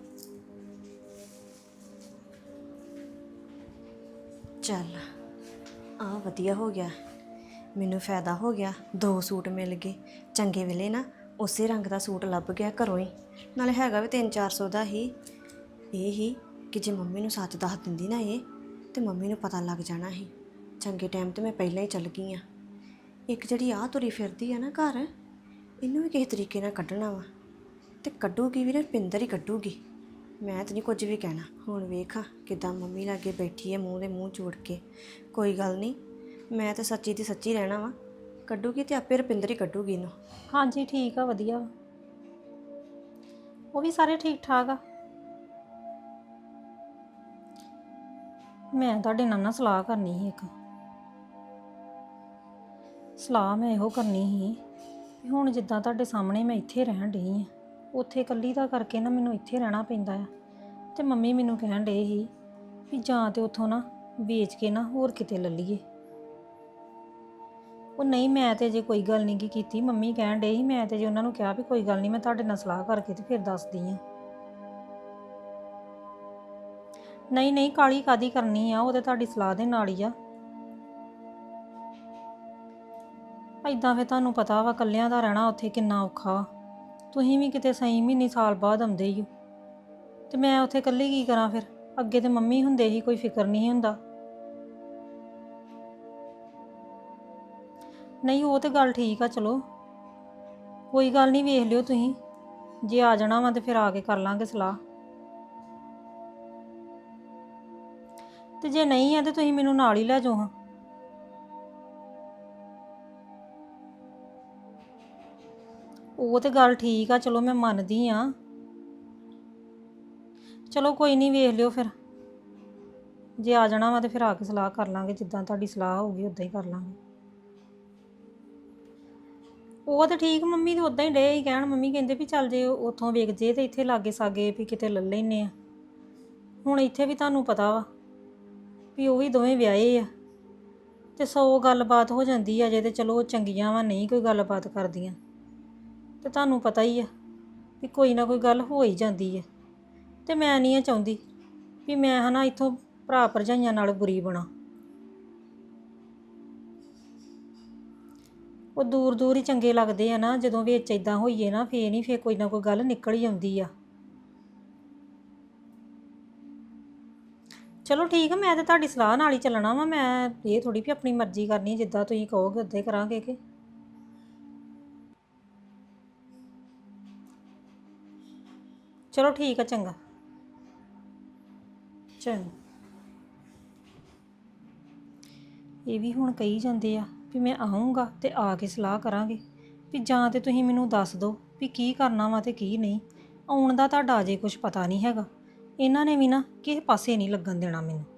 [SPEAKER 5] ਚੱਲ ਆ ਵਧੀਆ ਹੋ ਗਿਆ, ਮੈਨੂੰ ਫਾਇਦਾ ਹੋ ਗਿਆ, ਦੋ ਸੂਟ ਮਿਲ ਗਏ ਚੰਗੇ ਵੇਲੇ ਨਾ। ਉਸੇ ਰੰਗ ਦਾ ਸੂਟ ਲੱਭ ਗਿਆ ਘਰੋਂ ਹੀ, ਨਾਲੇ ਹੈਗਾ ਵੀ ਤਿੰਨ ਚਾਰ ਸੌ ਦਾ ਹੀ। ਇਹ ਹੀ ਕਿ ਜੇ ਮੰਮੀ ਨੂੰ ਸੱਚ ਦੱਸ ਦਿੰਦੀ ਨਾ ਇਹ, ਤੇ ਮੰਮੀ ਨੂੰ ਪਤਾ ਲੱਗ ਜਾਣਾ ਸੀ। ਚੰਗੇ ਟਾਈਮ ਤੇ ਮੈਂ ਪਹਿਲਾਂ ਹੀ ਚੱਲ ਗਈ ਆ। ਇੱਕ ਜਿਹੜੀ ਆਹ ਤੁਰੀ ਫਿਰਦੀ ਆ ਨਾ ਘਰ, ਇਹਨੂੰ ਵੀ ਕਿਸੇ ਤਰੀਕੇ ਨਾਲ ਕੱਢਣਾ ਵਾ, ਤੇ ਕੱਢੂਗੀ ਵੀ ਨਾ ਰੁਪਿੰਦਰ ਹੀ ਕੱਢੂਗੀ। ਮੈਂ ਤਾਂ ਨਹੀਂ ਕੁਝ ਵੀ ਕਹਿਣਾ। ਹੁਣ ਵੇਖ ਕਿੱਦਾਂ ਮੰਮੀ ਲਾਗੇ ਬੈਠੀ ਹੈ ਮੂੰਹ ਦੇ ਮੂੰਹ ਜੋੜ ਕੇ। ਕੋਈ ਗੱਲ ਨਹੀਂ, ਮੈਂ ਤਾਂ ਸੱਚੀ ਦੀ ਸੱਚੀ ਰਹਿਣਾ ਵਾ। ਕੱਢੂਗੀ ਤੇ ਆਪੇ ਰੁਪਿੰਦਰ ਹੀ ਕੱਢੂਗੀ ਇਹਨੂੰ।
[SPEAKER 3] ਹਾਂਜੀ ਠੀਕ ਆ, ਵਧੀਆ ਵਾ। ਉਹ ਵੀ ਸਾਰੇ ਠੀਕ ਠਾਕ ਆ। ਮੈਂ ਤੁਹਾਡੇ ਨਾਲ ਨਾ ਸਲਾਹ ਕਰਨੀ ਸੀ। ਇੱਕ ਸਲਾਹ ਮੈਂ ਇਹੋ ਕਰਨੀ ਸੀ ਵੀ ਹੁਣ ਜਿੱਦਾਂ ਤੁਹਾਡੇ ਸਾਹਮਣੇ ਮੈਂ ਇੱਥੇ ਰਹਿਣ ਡਈ ਆ, ਉੱਥੇ ਇਕੱਲੀ ਦਾ ਕਰਕੇ ਨਾ ਮੈਨੂੰ ਇੱਥੇ ਰਹਿਣਾ ਪੈਂਦਾ ਆ। ਤੇ ਮੰਮੀ ਮੈਨੂੰ ਕਹਿਣ ਡੇ ਸੀ ਵੀ ਜਾਂ ਤੇ ਉੱਥੋਂ ਨਾ ਵੇਚ ਕੇ ਨਾ ਹੋਰ ਕਿਤੇ ਲੈ ਲਈਏ। ਉਹ ਨਹੀਂ, ਮੈਂ ਤੇ ਜੇ ਕੋਈ ਗੱਲ ਨਹੀਂ ਕੀਤੀ। ਮੰਮੀ ਕਹਿਣ ਡੇ ਸੀ, ਮੈਂ ਤੇ ਜੇ ਉਹਨਾਂ ਨੂੰ ਕਿਹਾ ਵੀ ਕੋਈ ਗੱਲ ਨਹੀਂ, ਮੈਂ ਤੁਹਾਡੇ ਨਾਲ ਸਲਾਹ ਕਰਕੇ ਤੇ ਫਿਰ ਦੱਸਦੀ ਆ। ਨਹੀਂ ਨਹੀਂ, ਕਾਲੀ ਕਾਦੀ ਕਰਨੀ ਆ, ਉਹ ਤੇ ਤੁਹਾਡੀ ਸਲਾਹ ਦੇ ਨਾਲ ਹੀ ਆ। ਐਦਾਂ ਫਿਰ ਤੁਹਾਨੂੰ ਪਤਾ ਵਾ ਇਕੱਲਿਆਂ ਦਾ ਰਹਿਣਾ ਉੱਥੇ ਕਿੰਨਾ ਔਖਾ। ਤੁਸੀਂ ਵੀ ਕਿਤੇ ਸਹੀ ਮਹੀਨੇ ਸਾਲ ਬਾਅਦ ਆਉਂਦੇ ਹੀ ਹੋ, ਤੇ ਮੈਂ ਉੱਥੇ ਇਕੱਲੀ ਕੀ ਕਰਾਂ ਫਿਰ? ਅੱਗੇ ਤੇ ਮੰਮੀ ਹੁੰਦੇ ਹੀ, ਕੋਈ ਫਿਕਰ ਨਹੀਂ ਹੁੰਦਾ। ਨਹੀਂ ਉਹ ਤੇ ਗੱਲ ਠੀਕ ਆ, ਚਲੋ ਕੋਈ ਗੱਲ ਨਹੀਂ, ਵੇਖ ਲਿਓ ਤੁਸੀਂ। ਜੇ ਆ ਜਾਣਾ ਵਾ ਤੇ ਫਿਰ ਆ ਕੇ ਕਰ ਲਾਂਗੇ ਸਲਾਹ, ਤੇ ਜੇ ਨਹੀਂ ਆ ਤੇ ਤੁਸੀਂ ਮੈਨੂੰ ਨਾਲ ਹੀ ਲੈ ਜਾਓ ਹਾਂ। ਉਹ ਤੇ ਗੱਲ ਠੀਕ ਆ, ਚਲੋ ਮੈਂ ਮੰਨਦੀ ਆ। ਚਲੋ ਕੋਈ ਨਹੀਂ, ਵੇਖ ਲਿਓ ਫਿਰ। ਜੇ ਆ ਜਾਣਾ ਵਾ ਤੇ ਫਿਰ ਆ ਕੇ ਸਲਾਹ ਕਰ ਲਾਂਗੇ, ਜਿੱਦਾਂ ਤੁਹਾਡੀ ਸਲਾਹ ਹੋਊਗੀ ਉਦਾਂ ਹੀ ਕਰ ਲਾਂਗੇ। ਉਹ ਤਾਂ ਠੀਕ, ਮੰਮੀ ਤੇ ਉਦਾਂ ਹੀ ਡੇ ਹੀ ਕਹਿਣ। ਮੰਮੀ ਕਹਿੰਦੇ ਵੀ ਚੱਲ ਜੇ ਉੱਥੋਂ ਵੇਖ ਜੇ ਤੇ ਇੱਥੇ ਲਾਗੇ ਸਾਗੇ ਵੀ ਕਿਤੇ ਲੈ ਲੈਨੇ ਆ। ਹੁਣ ਇੱਥੇ ਵੀ ਤੁਹਾਨੂੰ ਪਤਾ ਵਾ ਵੀ ਉਹ ਵੀ ਦੋਵੇਂ ਵਿਆਹੇ ਆ, ਤੇ ਸੌ ਗੱਲਬਾਤ ਹੋ ਜਾਂਦੀ ਆ। ਜੇ ਤੇ ਚਲੋ ਚੰਗੀਆਂ ਵਾ, ਨਹੀਂ ਕੋਈ ਗੱਲਬਾਤ ਕਰਦੀਆਂ, ਤੇ ਤੁਹਾਨੂੰ ਪਤਾ ਹੀ ਆ ਵੀ ਕੋਈ ਨਾ ਕੋਈ ਗੱਲ ਹੋ ਹੀ ਜਾਂਦੀ ਹੈ। ਤੇ ਮੈਂ ਨਹੀਂ ਆ ਚਾਹੁੰਦੀ ਵੀ ਮੈਂ ਹੈ ਨਾ ਇੱਥੋਂ ਭਰਾ ਭਰਜਾਈਆਂ ਨਾਲ ਬੁਰੀ ਬਣਾ। ਉਹ ਦੂਰ ਦੂਰ ਹੀ ਚੰਗੇ ਲੱਗਦੇ ਆ ਨਾ, ਜਦੋਂ ਵਿੱਚ ਇਦਾਂ ਹੋਈਏ ਨਾ ਫੇਰ ਨਹੀਂ, ਫੇਰ ਕੋਈ ਨਾ ਕੋਈ ਗੱਲ ਨਿਕਲ ਹੀ ਆਉਂਦੀ ਆ। ਚਲੋ ਠੀਕ ਆ, ਮੈਂ ਤਾਂ ਤੁਹਾਡੀ ਸਲਾਹ ਨਾਲ ਹੀ ਚੱਲਣਾ ਵਾ। ਮੈਂ ਇਹ ਥੋੜੀ ਵੀ ਆਪਣੀ ਮਰਜ਼ੀ ਕਰਨੀ, ਜਿੱਦਾਂ ਤੁਸੀਂ ਕਹੋਗੇ ਉੱਦਾਂ ਹੀ ਕਰਾਂਗੇ। ਕਿ ਚਲੋ ਠੀਕ ਆ, ਚੰਗਾ ਚੰਗਾ। ਇਹ ਵੀ ਹੁਣ ਕਹੀ ਜਾਂਦੇ ਆ ਵੀ ਮੈਂ ਆਊਂਗਾ ਤੇ ਆ ਕੇ ਸਲਾਹ ਕਰਾਂਗੇ, ਵੀ ਜਾਂ ਤੇ ਤੁਸੀਂ ਮੈਨੂੰ ਦੱਸ ਦਿਓ ਵੀ ਕੀ ਕਰਨਾ ਵਾ ਤੇ ਕੀ ਨਹੀਂ। ਆਉਣ ਦਾ ਤੁਹਾਡਾ ਅਜੇ ਕੁਝ ਪਤਾ ਨਹੀਂ ਹੈਗਾ। ਇਹਨਾਂ ਨੇ ਵੀ ਨਾ ਕਿਸੇ ਪਾਸੇ ਨਹੀਂ ਲੱਗਣ ਦੇਣਾ ਮੈਨੂੰ।